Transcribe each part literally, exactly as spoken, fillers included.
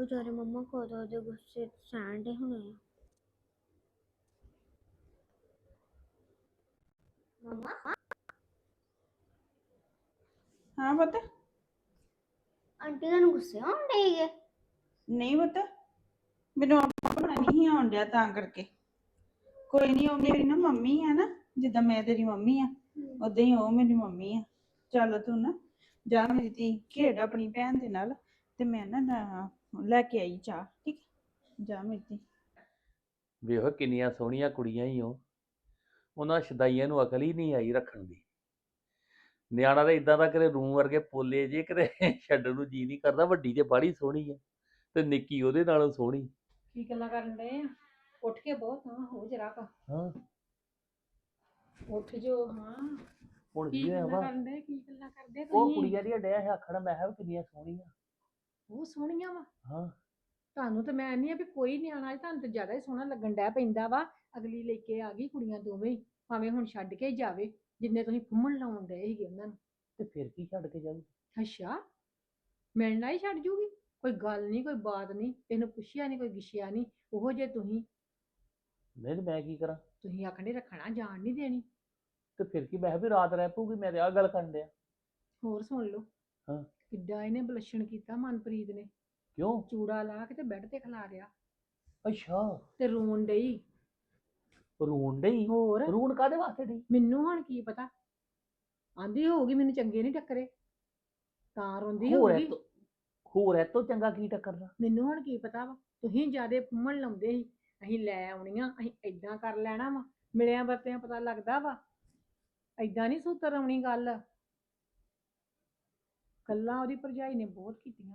ਵਿਚਾਰੇ ਮੰਮਾ ਕਦੋਂ ਦੇ ਗੁੱਸੇ ਸਹਿਣ ਦੇ ਹੋਣੇ ਆ। ਮੰਮਾ ਹਾਂ ਪੁੱਤ। ਆਂਟੀ ਤੁਹਾਨੂੰ ਗੁੱਸੇ ਹੋਣ ਡਏ? ਨਹੀਂ ਪੁੱਤ, ਮੈਨੂੰ ਆਪਣਾ ਨਹੀਂ ਆਉਣ ਡਿਆ ਤਾਂ ਕਰਕੇ। ਕੋਈ ਨਹੀਂ, ਉਹ ਮੇਰੀ ਨਾ ਮੰਮੀ ਆ ਨਾ, ਜਿੱਦਾਂ ਮੈਂ ਤੇਰੀ ਮੰਮੀ ਆ ਉਦਾਂ ਹੀ ਉਹ ਮੇਰੀ ਮੰਮੀ ਆ। ਚੱਲ ਤੂੰ ਨਾ ਜਾ ਮੇਰੀ ਧੀ, ਖੇਡ ਆਪਣੀ ਭੈਣ ਦੇ ਨਾਲ, ਤੇ ਮੈਂ ਨਾ ਨਾ ਲੈ ਕੇ ਆਈ ਚਾਹ। ਠੀਕ ਹੈ, ਜਾ ਮੇਰੀ ਧੀ। ਵੇਖੋ ਕਿੰਨੀਆਂ ਸੋਹਣੀਆਂ ਕੁੜੀਆਂ ਹੀ ਉਹ, ਉਹਨਾਂ ਸ਼ਦਾਈਆਂ ਨੂੰ ਅਕਲ ਹੀ ਨਹੀਂ ਆਈ ਰੱਖਣ ਦੀ। ਨਿਆਣਾ ਤਾਂ ਇਦਾਂ ਦਾ ਕਰੇ ਰੂਮ ਵਰਗੇ ਪੋਲੇ ਜੇ ਕਿਤੇ ਛੱਡਣ ਨੂੰ ਜੀ ਨਹੀਂ ਕਰਦਾ। ਵੱਡੀ ਤੇ ਬਾਹਲੀ ਸੋਹਣੀ ਆ ਤੇ ਨਿੱਕੀ ਉਹਦੇ ਨਾਲੋਂ ਸੋਹਣੀ। ਕੀ ਗੱਲਾਂ ਕਰਨ ਡਏ ਆ? ਉੱਠ ਕੇ ਬਹੁਤ ਹਾਂ ਹੋ ਜਰਾ ਕਾ ਹਾਂ ਉੱਠ ਜੋ। ਹਾਂ ਹੁਣ ਕੀ ਕੀ ਹੋਇਆ ਗੱਲਾਂ ਵਾ? ਕਰਨ ਡਏ? ਕੀ ਗੱਲਾਂ ਕਰਦੇ ਉਹ ਤੁਸੀਂ? ਕੁੜੀਆਂ ਦੀਆਂ ਡਿਆ ਹੈ ਆਖਣ, ਮੈਂ ਕਿਹਾ ਵੀ ਕਿੰਨੀਆਂ ਸੋਹਣੀਆਂ। ਉਹ ਸੋਹਣੀਆਂ ਵਾ। ਹਾਂ ਤੁਹਾਨੂੰ ਤੇ ਮੈਂ ਨਹੀਂ ਆ ਵੀ ਕੋਈ ਨਿਆਣਾ, ਤੁਹਾਨੂੰ ਤੇ ਜ਼ਿਆਦਾ ਹੀ ਸੋਹਣਾ ਲੱਗਣ ਡਿਆ ਪੈਂਦਾ ਵਾ। ਅਗਲੀ ਲੈ ਕੇ ਆ ਗਈ ਕੁੜੀਆਂ ਦੋਵੇਂ ਹੀ, ਭਾਵੇਂ ਹੁਣ ਛੱਡ ਕੇ ਹੀ ਜਾਵੇ, ਜਿੰਨੇ ਤੁਸੀਂ ਫੁੰਮਣ ਲਾਉਣ ਡਏ ਸੀਗੇ ਉਹਨਾਂ ਨੂੰ। ਤੇ ਫਿਰ ਕੀ ਛੱਡ ਕੇ ਜਾਊ? ਅੱਛਾ, ਮਿਲਣਾ ਹੀ ਛੱਡ ਜੂਗੀ? ਕੋਈ ਗੱਲ ਨਹੀਂ, ਕੋਈ ਬਾਤ ਨਹੀਂ, ਤੈਨੂੰ ਪੁੱਛਿਆ ਨਹੀਂ, ਕੋਈ ਗਿੱਛਿਆ ਨਹੀਂ। ਉਹੋ ਜੇ ਤੁਸੀਂ ਨਹੀਂ ਤੇ ਮੈਂ ਕੀ ਕਰਾਂ? ਤੁਸੀਂ ਆਖਣੇ ਰੱਖਣਾ, ਜਾਣ ਨਹੀਂ ਦੇਣੀ। ਤੇ ਫਿਰ ਕੀ, ਮੈਂ ਕਿਹਾ ਵੀ ਰਾਤ ਰਹਿ ਪਊਗੀ, ਮੈਂ ਤੇ ਆਹ ਗੱਲ ਕਰਨ ਡਿਆ। ਹੋਰ ਸੁਣ ਲਓ, ਹਾਂ ਕਿੱਡਾ ਇਹਨੇ ਬਲਸ਼ਣ ਕੀਤਾ ਮਨਪ੍ਰੀਤ ਨੇ। ਕਿਉਂ? ਚੂੜਾ ਲਾ ਕੇ ਤੇ ਬੈੱਡ ਤੇ ਖਿਲਾ ਰਿਆ ਅੱਛਾ, ਤੇ ਰੋਣ ਡਈ। ਰੋਣ ਡਈ? ਹੋਰ ਰੋਣ ਕਾਹਦੇ ਵਾਸਤੇ ਡਈ? ਮੈਨੂੰ ਹੁਣ ਕੀ ਪਤਾ, ਆਂਦੀ ਹੋਊਗੀ ਮੈਨੂੰ ਚੰਗੇ ਨਹੀਂ ਟੱਕਰੇ ਤਾਂ ਰੋਂਦੀ ਹੋਰ ਹੋਊਗੀ। ਇਹ ਤੋਂ ਹੋਰ ਇਹ ਤੋਂ ਚੰਗਾ ਕੀ ਟੱਕਰਦਾ? ਮੈਨੂੰ ਹੁਣ ਕੀ ਪਤਾ ਵਾ, ਤੁਸੀਂ ਜਿਆਦੇ ਫੁੰਮਣ ਲਾਉਂਦੇ ਸੀ। ਅਸੀਂ ਲੈ ਆਉਣੀਆਂ, ਅਸੀਂ ਏਦਾਂ ਕਰ ਲੈਣਾ ਵਾ, ਮਿਲਿਆਂ ਵਰਤਿਆਂ ਪਤਾ ਲੱਗਦਾ ਵਾ, ਏਦਾਂ ਨਹੀਂ ਸੂਤਰ ਆਉਣੀ ਗੱਲ। ਗੱਲਾਂ ਉਹਦੀ ਭਰਜਾਈ ਨੇ ਬਹੁਤ ਕੀਤੀਆਂ।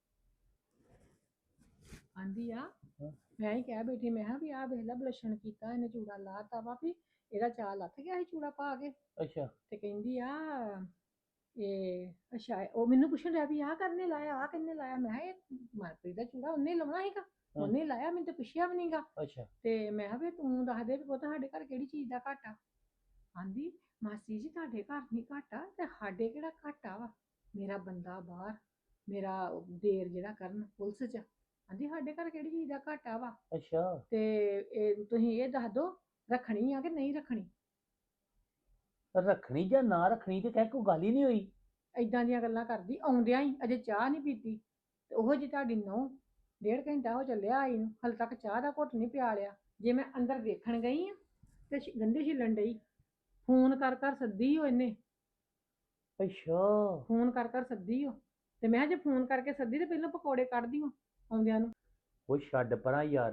ਆਂਦੀ ਆ, ਹਾਂ। ਮੈਂ ਹੀ ਕਹਿ ਬੈਠੀ, ਮੈਂ ਕਿਹਾ ਵੀ ਆਹ ਵੇਖ ਲੈ ਬਲਸ਼ਣ ਕੀਤਾ ਇਹਨੇ, ਚੂੜਾ ਲਾਤਾ ਵਾ, ਵੀ ਇਹਦਾ ਚਾਅ ਲੱਥ ਗਿਆ ਸੀ ਚੂੜਾ ਪਾ ਕੇ। ਅੱਛਾ ਤੇ ਕਹਿੰਦੀ ਆ ਇਹ ਅੱਛਾ, ਉਹ ਮੈਨੂੰ ਪੁੱਛਣ ਰਿਹਾ ਵੀ ਆਹ ਕਰਨੇ ਲਾਇਆ, ਆਹ ਕਿੰਨੇ ਲਾਇਆ। ਮੈਂ ਕਿਹਾ ਇਹ ਮਨਪ੍ਰੀਤ ਦਾ ਚੂੜਾ ਉਹਨੇ ਲਾਉਣਾ ਸੀਗਾ, ਉਹਨੇ ਲਾਇਆ, ਮੈਨੂੰ ਤਾਂ ਪੁੱਛਿਆ ਵੀ ਨਹੀਂਗਾ। ਅੱਛਾ ਤੇ ਮੈਂ ਕਿਹਾ ਵੀ ਤੂੰ ਦੱਸ ਦੇ ਵੀ ਪੁੱਤ ਸਾਡੇ ਘਰ ਕਿਹੜੀ ਚੀਜ਼ ਦਾ ਘਾਟਾ। ਆਂਦੀ ਮਾਸੀ ਜੀ ਤੁਹਾਡੇ ਘਰ ਨਹੀਂ ਘਾਟਾ ਤੇ ਸਾਡੇ ਕਿਹੜਾ ਘਾਟਾ ਵਾ, ਮੇਰਾ ਬੰਦਾ ਬਾਹਰ, ਮੇਰਾ ਦੇਰ ਜਿਹੜਾ ਕਰਨ ਪੁਲਿਸ 'ਚ। ਆਂਦੀ ਸਾਡੇ ਘਰ ਕਿਹੜੀ ਚੀਜ਼ ਦਾ ਘਾਟਾ ਵਾ, ਅੱਛਾ ਤੇ ਇਹ ਤੁਸੀਂ ਇਹ ਦੱਸ ਦਿਓ ਰੱਖਣੀ ਆ ਕਿ ਨਹੀਂ ਰੱਖਣੀ। ਰੱਖਣੀ ਜਾਂ ਨਾ ਰੱਖਣੀ ਤੇ ਕਹਿ ਕੋਈ ਗੱਲ ਹੀ ਨਹੀਂ ਹੋਈ। ਏਦਾਂ ਦੀਆਂ ਗੱਲਾਂ ਕਰਦੀ, ਆਉਂਦਿਆਂ ਹੀ ਅਜੇ ਚਾਹ ਨਹੀਂ ਪੀਤੀ ਤੇ ਉਹੋ ਜਿਹੀ ਤੁਹਾਡੀ ਨਹੁੰ ਡੇਢ ਘੰਟਾ ਹੋ ਚੱਲਿਆ ਆਈ ਨੂੰ, ਹਾਲੇ ਤੱਕ ਚਾਹ ਦਾ ਘੁੱਟ ਨਹੀਂ ਪਿਆ ਲਿਆ। ਜੇ ਮੈਂ ਅੰਦਰ ਵੇਖਣ ਗਈ ਆ ਤੇ ਛ- ਗੰਢੇ ਛਿੱਲਣ ਡਈ, ਫੋਨ ਕਰ ਕਰ ਸੱਦੀ ਓ ਇਹਨੇ, ਅੱਛਾ ਫੋਨ ਕਰ ਕਰ ਸੱਦੀ ਓ। ਤੇ ਮੈਂ ਕਿਹਾ ਜੇ ਫੋਨ ਕਰਕੇ ਸੱਦੀ ਤੇ ਪਹਿਲਾਂ ਪਕੌੜੇ ਕੱਢਦੀ ਓ ਆਉਂਦਿਆਂ ਨੂੰ। ਉਹ ਛੱਡ ਪਰਾਂ ਯਾਰ,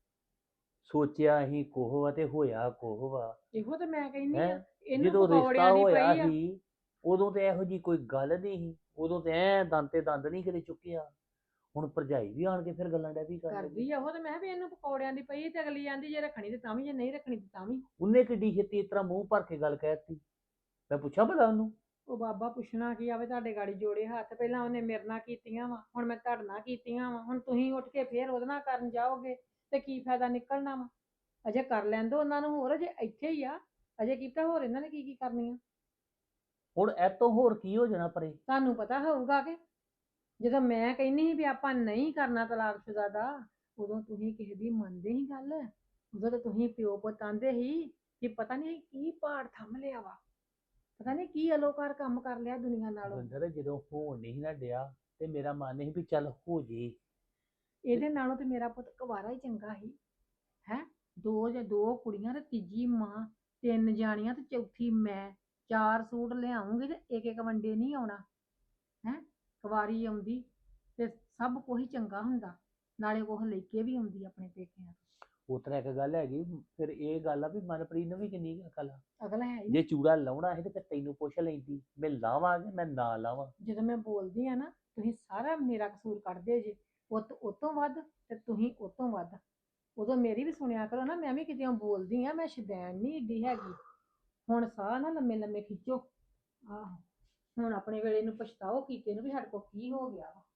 ਸੋਚਿਆ ਅਸੀਂ ਕੋਹ ਵਾ ਤੇ ਹੋਇਆ ਕੋਹ ਵਾ। ਇਹੋ ਤੇ ਮੈਂ ਕਹਿੰਦੀ ਹੈ ਆ, ਇਹਨੂੰ ਜਦੋਂ ਪਕੌੜਿਆਂ ਰਿਸ਼ਤਾ ਦੀ ਹੋਇਆ ਪਈ ਆ। ਸੀ ਉਦੋਂ ਤੇ ਇਹੋ ਜੀ ਕੋਈ ਗੱਲ ਨਹੀਂ ਸੀ, ਉਦੋਂ ਤੇ ਐ ਦੰਦ ਤੇ ਦੰਦ ਨਹੀਂ ਕਿਤੇ ਚੁੱਕਿਆ। ਹੁਣ ਭਰਜਾਈ ਵੀ ਆਣ ਕੇ ਫਿਰ ਗੱਲਾਂ ਡੈ ਵੀ ਕਰਨ ਲੱਗੀ। ਕਰਦੀ ਆ ਉਹ, ਤੇ ਮੈਂ ਕਿਹਾ ਵੀ ਇਹਨੂੰ ਪਕੌੜਿਆਂ ਦੀ ਪਈ ਤੇ ਅਗਲੀ ਆਂਦੀ ਜੇ ਰੱਖਣੀ ਤੇ ਤਾਂ ਵੀ, ਜੇ ਨਹੀਂ ਰੱਖਣੀ ਤੇ ਤਾਂ ਵੀ। ਉਹਨੇ ਕਿੱਡੀ ਛੇਤੀ ਇਸ ਤਰ੍ਹਾਂ ਮੂੰਹ ਭਰ ਕੇ ਗੱਲ ਕਹਿਤੀ? ਮੈਂ ਪੁੱਛਾਂ ਭਲਾ ਉਹਨੂੰ? ਉਹ ਬਾਬਾ ਪੁੱਛਣਾ ਕੀ ਆਵੇ, ਤੁਹਾਡੇ ਗਾੜੀ ਜੋੜੇ ਹੱਥ। ਪਹਿਲਾਂ ਉਹਨੇ ਮੇਰੇ ਨਾਲ ਕੀਤੀਆਂ ਵਾ, ਹੁਣ ਮੈਂ ਤੁਹਾਡੇ ਨਾਲ ਕੀਤੀਆਂ ਵਾ, ਹੁਣ ਤੁਸੀਂ ਉੱਠ ਕੇ ਫੇਰ ਉਹਦੇ ਨਾਲ ਕਰਨ ਜਾਓਗੇ ਤੇ ਕੀ ਫਾਇਦਾ ਨਿਕਲਣਾ ਵਾ। ਅਜੇ ਕਰ ਲੈਣ ਦੋ ਉਹਨਾਂ ਨੂੰ, ਹੋਰ ਅਜੇ ਇੱਥੇ ਹੀ ਆ, ਅਜੇ ਕੀਤਾ ਹੋਰ ਇਹਨਾਂ ਨੇ ਕੀ ਕੀ ਕਰਨੀਆਂ। ਹੁਣ ਇਹ ਤੋਂ ਹੋਰ ਕੀ ਹੋ ਜਾਣਾ ਪਰੇ? ਤੁਹਾਨੂੰ ਪਤਾ ਹੋਊਗਾ ਕਿ ਜਦੋਂ ਮੈਂ ਕਹਿੰਦੀ ਸੀ ਵੀ ਆਪਾਂ ਨਹੀਂ ਕਰਨਾ ਤਲਾਕਸ਼ੁਦਾ ਦਾ, ਉਦੋਂ ਤੁਸੀਂ ਕਿਸੇ ਦੀ ਮੰਨਦੇ ਸੀ ਗੱਲ? ਉਦੋਂ ਤਾਂ ਤੁਸੀਂ ਪਿਓ ਪੁੱਤ ਆਂਦੇ ਸੀ ਕਿ ਪਤਾ ਨਹੀਂ ਕੀ ਪਹਾੜ ਥੰਮ ਲਿਆ ਵਾ, ਪਤਾ ਨਹੀਂ ਕੀ ਅਲੋਕਾਰ ਕੰਮ ਕਰ ਲਿਆ ਦੁਨੀਆ ਨਾਲੋਂ। ਬੰਦਰ ਜਦੋਂ ਹੋਣ ਨਹੀਂ ਨਾ ਡਿਆ ਤੇ ਮੇਰਾ ਮਨ ਨਹੀਂ ਵੀ ਚੱਲ ਹੋ ਜੇ। ਇਹਦੇ ਨਾਲੋਂ ਤੇ ਮੇਰਾ ਪੁੱਤ ਕੁਵਾਰਾ ਹੀ ਚੰਗਾ ਸੀ। ਹੈ ਦੋ ਜਾਂ ਦੋ ਕੁੜੀਆਂ ਤੇ ਤੀਜੀ ਮਾਂ, ਤਿੰਨ ਜਾਣੀਆਂ ਤੇ ਚੌਥੀ ਮੈਂ, ਚਾਰ ਸੂਟ ਲਿਆਉਂਗੀ ਤੇ ਇੱਕ ਇੱਕ ਵੰਡੇ ਨਹੀਂ ਆਉਣਾ। ਹੈ ਕੁਵਾਰੀ ਆਉਂਦੀ ਤੇ ਸਭ ਕੁਝ ਚੰਗਾ ਹੁੰਦਾ, ਨਾਲੇ ਉਹ ਲੈ ਕੇ ਵੀ ਆਉਂਦੀ ਆਪਣੇ ਪੇਕਿਆਂ ਤੋਂ। ਉਸ ਤਰ੍ਹਾਂ ਇੱਕ ਗੱਲ ਹੈਗੀ, ਫਿਰ ਇਹ ਗੱਲ ਆ ਵੀ ਮਨਪ੍ਰੀਤ ਨੂੰ ਵੀ ਕਿੰਨੀ ਕੁ ਅਕਲ ਆ। ਅਗਲਾ ਹੈ ਹੀ ਜੇ ਨਹੀਂ। ਚੂੜਾ ਲਾਉਣਾ ਸੀ ਤੇ ਫਿਰ ਤੈਨੂੰ ਪੁੱਛ ਲੈਂਦੀ, ਮੈਂ ਲਾਵਾਂ ਕਿ ਮੈਂ ਨਾ ਲਾਵਾਂ। ਜਦੋਂ ਮੈਂ ਬੋਲਦੀ ਆ ਨਾ, ਤੁਸੀਂ ਸਾਰਾ ਮੇਰਾ ਕਸੂਰ ਕੱਢਦੇ ਜੇ, ਪੁੱਤ ਉਹ ਤੋਂ ਵੱਧ ਤੇ ਤੁਸੀਂ ਉਹ ਤੋਂ ਵੱਧ। ਉਦੋਂ ਮੇਰੀ ਵੀ ਸੁਣਿਆ ਕਰੋ ਨਾ, ਮੈਂ ਵੀ ਕਿਤੇ ਬੋਲਦੀ ਆ, ਮੈਂ ਸ਼ੁਦੈਣ ਨਹੀਂ ਏਡੀ ਹੈਗੀ। ਹੁਣ ਸਾਹ ਨਾ ਲੰਮੇ ਲੰਮੇ ਖਿੱਚੋ। ਆਹੋ, ਹੁਣ ਆਪਣੇ ਵੇਲੇ ਨੂੰ ਪਛਤਾਓ ਕੀਤੇ ਨੂੰ ਵੀ ਸਾਡੇ ਕੋਲ ਕੀ ਹੋ ਗਿਆ ਵਾ।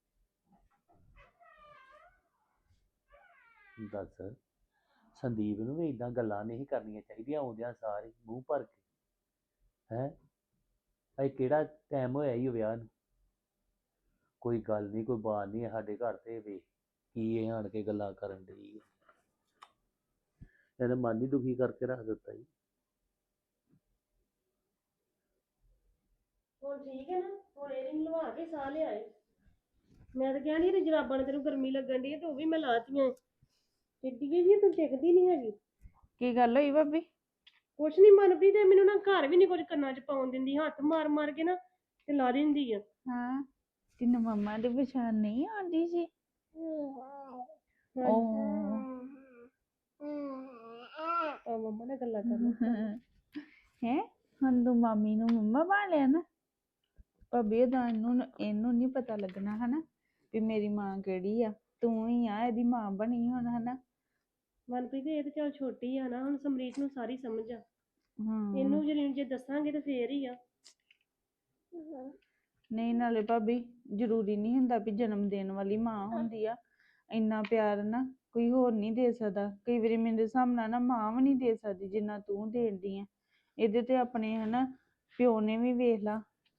ਦੱਸ, ਸੰਦੀਪ ਨੂੰ ਵੀ ਇਦਾਂ ਗੱਲਾਂ ਨਹੀਂ ਕਰਨੀਆਂ ਚਾਹੀਦੀਆਂ ਆਉਂਦਿਆਂ ਸਾਰ ਹੀ ਮੂੰਹ ਭਰ ਕੇ। ਹੈ ਅਜੇ ਕਿਹੜਾ ਟਾਈਮ ਹੋਇਆ ਹੀ ਵਿਆਹ ਨੂੰ? ਕੋਈ ਗੱਲ ਨਹੀਂ, ਕੋਈ ਬਾਤ ਨਹੀਂ ਸਾਡੇ ਘਰ ਤੇ ਵੇ ਕੀ ਇਹ ਆਣ ਕੇ ਗੱਲਾਂ ਕਰਨ ਡਈ ਆ। ਇਹਨੇ ਮਨ ਹੀ ਦੁਖੀ ਕਰਕੇ ਰੱਖ ਦਿੱਤਾ ਜੀ। ਹੁਣ ਠੀਕ ਹੈ ਨਾ, ਹੁਣ ਏਅਰਿੰਗ ਲਵਾ ਕੇ ਸਾਹ ਲਿਆਏ। ਮੈਂ ਤਾਂ ਕਿਹਾ ਨਹੀਂ ਜਰਾਬਾਂ ਨੇ ਤੈਨੂੰ ਗਰਮੀ ਲੱਗਣ ਦੀ ਤੇ ਉਹ ਵੀ ਮੈਂ ਲਾਤੀਆਂ। ਟਿੱਡੀ ਜੀ ਤੂੰ ਟਿਕਦੀ ਨਹੀਂ ਹੈਗੀ। ਕੀ ਗੱਲ ਹੋਈ ਭਾਬੀ? ਕੁਛ ਨਹੀਂ ਮਨਪ੍ਰੀਤ ਤੇ ਮੈਨੂੰ ਨਾ ਘਰ ਵੀ ਨਹੀਂ ਕੁਝ ਕੰਨਾਂ 'ਚ ਪਾਉਣ ਦਿੰਦੀ, ਹੱਥ ਮਾਰ ਮਾਰ ਕੇ ਨਾ ਤੇ ਲਾ ਦਿੰਦੀ ਆ। ਹਾਂ, ਤੈਨੂੰ ਮੰਮਾ ਦੀ ਪਛਾਣ ਨਹੀਂ ਆਉਂਦੀ ਸੀ? ਉਹ ਆ ਮੰਮਾ ਨਾਲ ਗੱਲਾਂ ਕਰਨਾ ਹੈ ਹੁਣ ਤੂੰ ਮਾਮੀ ਨੂੰ ਮੰਮਾ ਬਣਾ ਲਿਆ ਨਾ। ਭਾਬੀ ਇਹਦਾ ਇਹਨੂੰ ਇਹਨੂੰ ਨਹੀਂ ਪਤਾ ਲੱਗਣਾ ਹਨਾ ਵੀ ਮੇਰੀ ਮਾਂ ਕਿਹੜੀ ਆ। ਤੂੰ ਹੀ ਆ ਇਹਦੀ ਮਾਂ ਬਣੀ ਹੁਣ ਹਨਾ। ਮਨਪ੍ਰੀਤ ਇਹ ਤਾਂ ਚੱਲ ਛੋਟੀ ਆ ਨਾ, ਹੁਣ ਸਮਰੀਤ ਨੂੰ ਸਾਰੀ ਸਮਝ ਆ। ਹਾਂ ਇਹਨੂੰ ਜੇ ਜੇ ਦੱਸਾਂਗੇ ਤਾਂ ਫੇਰ ਹੀ ਆ। ਨਹੀਂ ਨਾਲੇ ਭਾਬੀ ਜ਼ਰੂਰੀ ਨਹੀਂ ਹੁੰਦਾ ਵੀ ਜਨਮ ਦੇਣ ਵਾਲੀ ਮਾਂ ਹੁੰਦੀ ਆ। ਇੰਨਾ ਪਿਆਰ ਨਾ ਕੋਈ ਹੋਰ ਨਹੀਂ ਦੇ ਸਕਦਾ। ਕਈ ਵਾਰੀ ਮੇਰੇ ਹਿਸਾਬ ਨਾਲ ਨਾ ਮਾਂ ਵੀ ਨਹੀਂ ਦੇ ਸਕਦੀ ਜਿੰਨਾ ਤੂੰ ਦੇਂਦੀ ਆ। ਇਹਦੇ ਤੇ ਆਪਣੇ ਹਨਾ ਪਿਓ ਨੇ ਵੀ ਵੇਖ ਲਾ,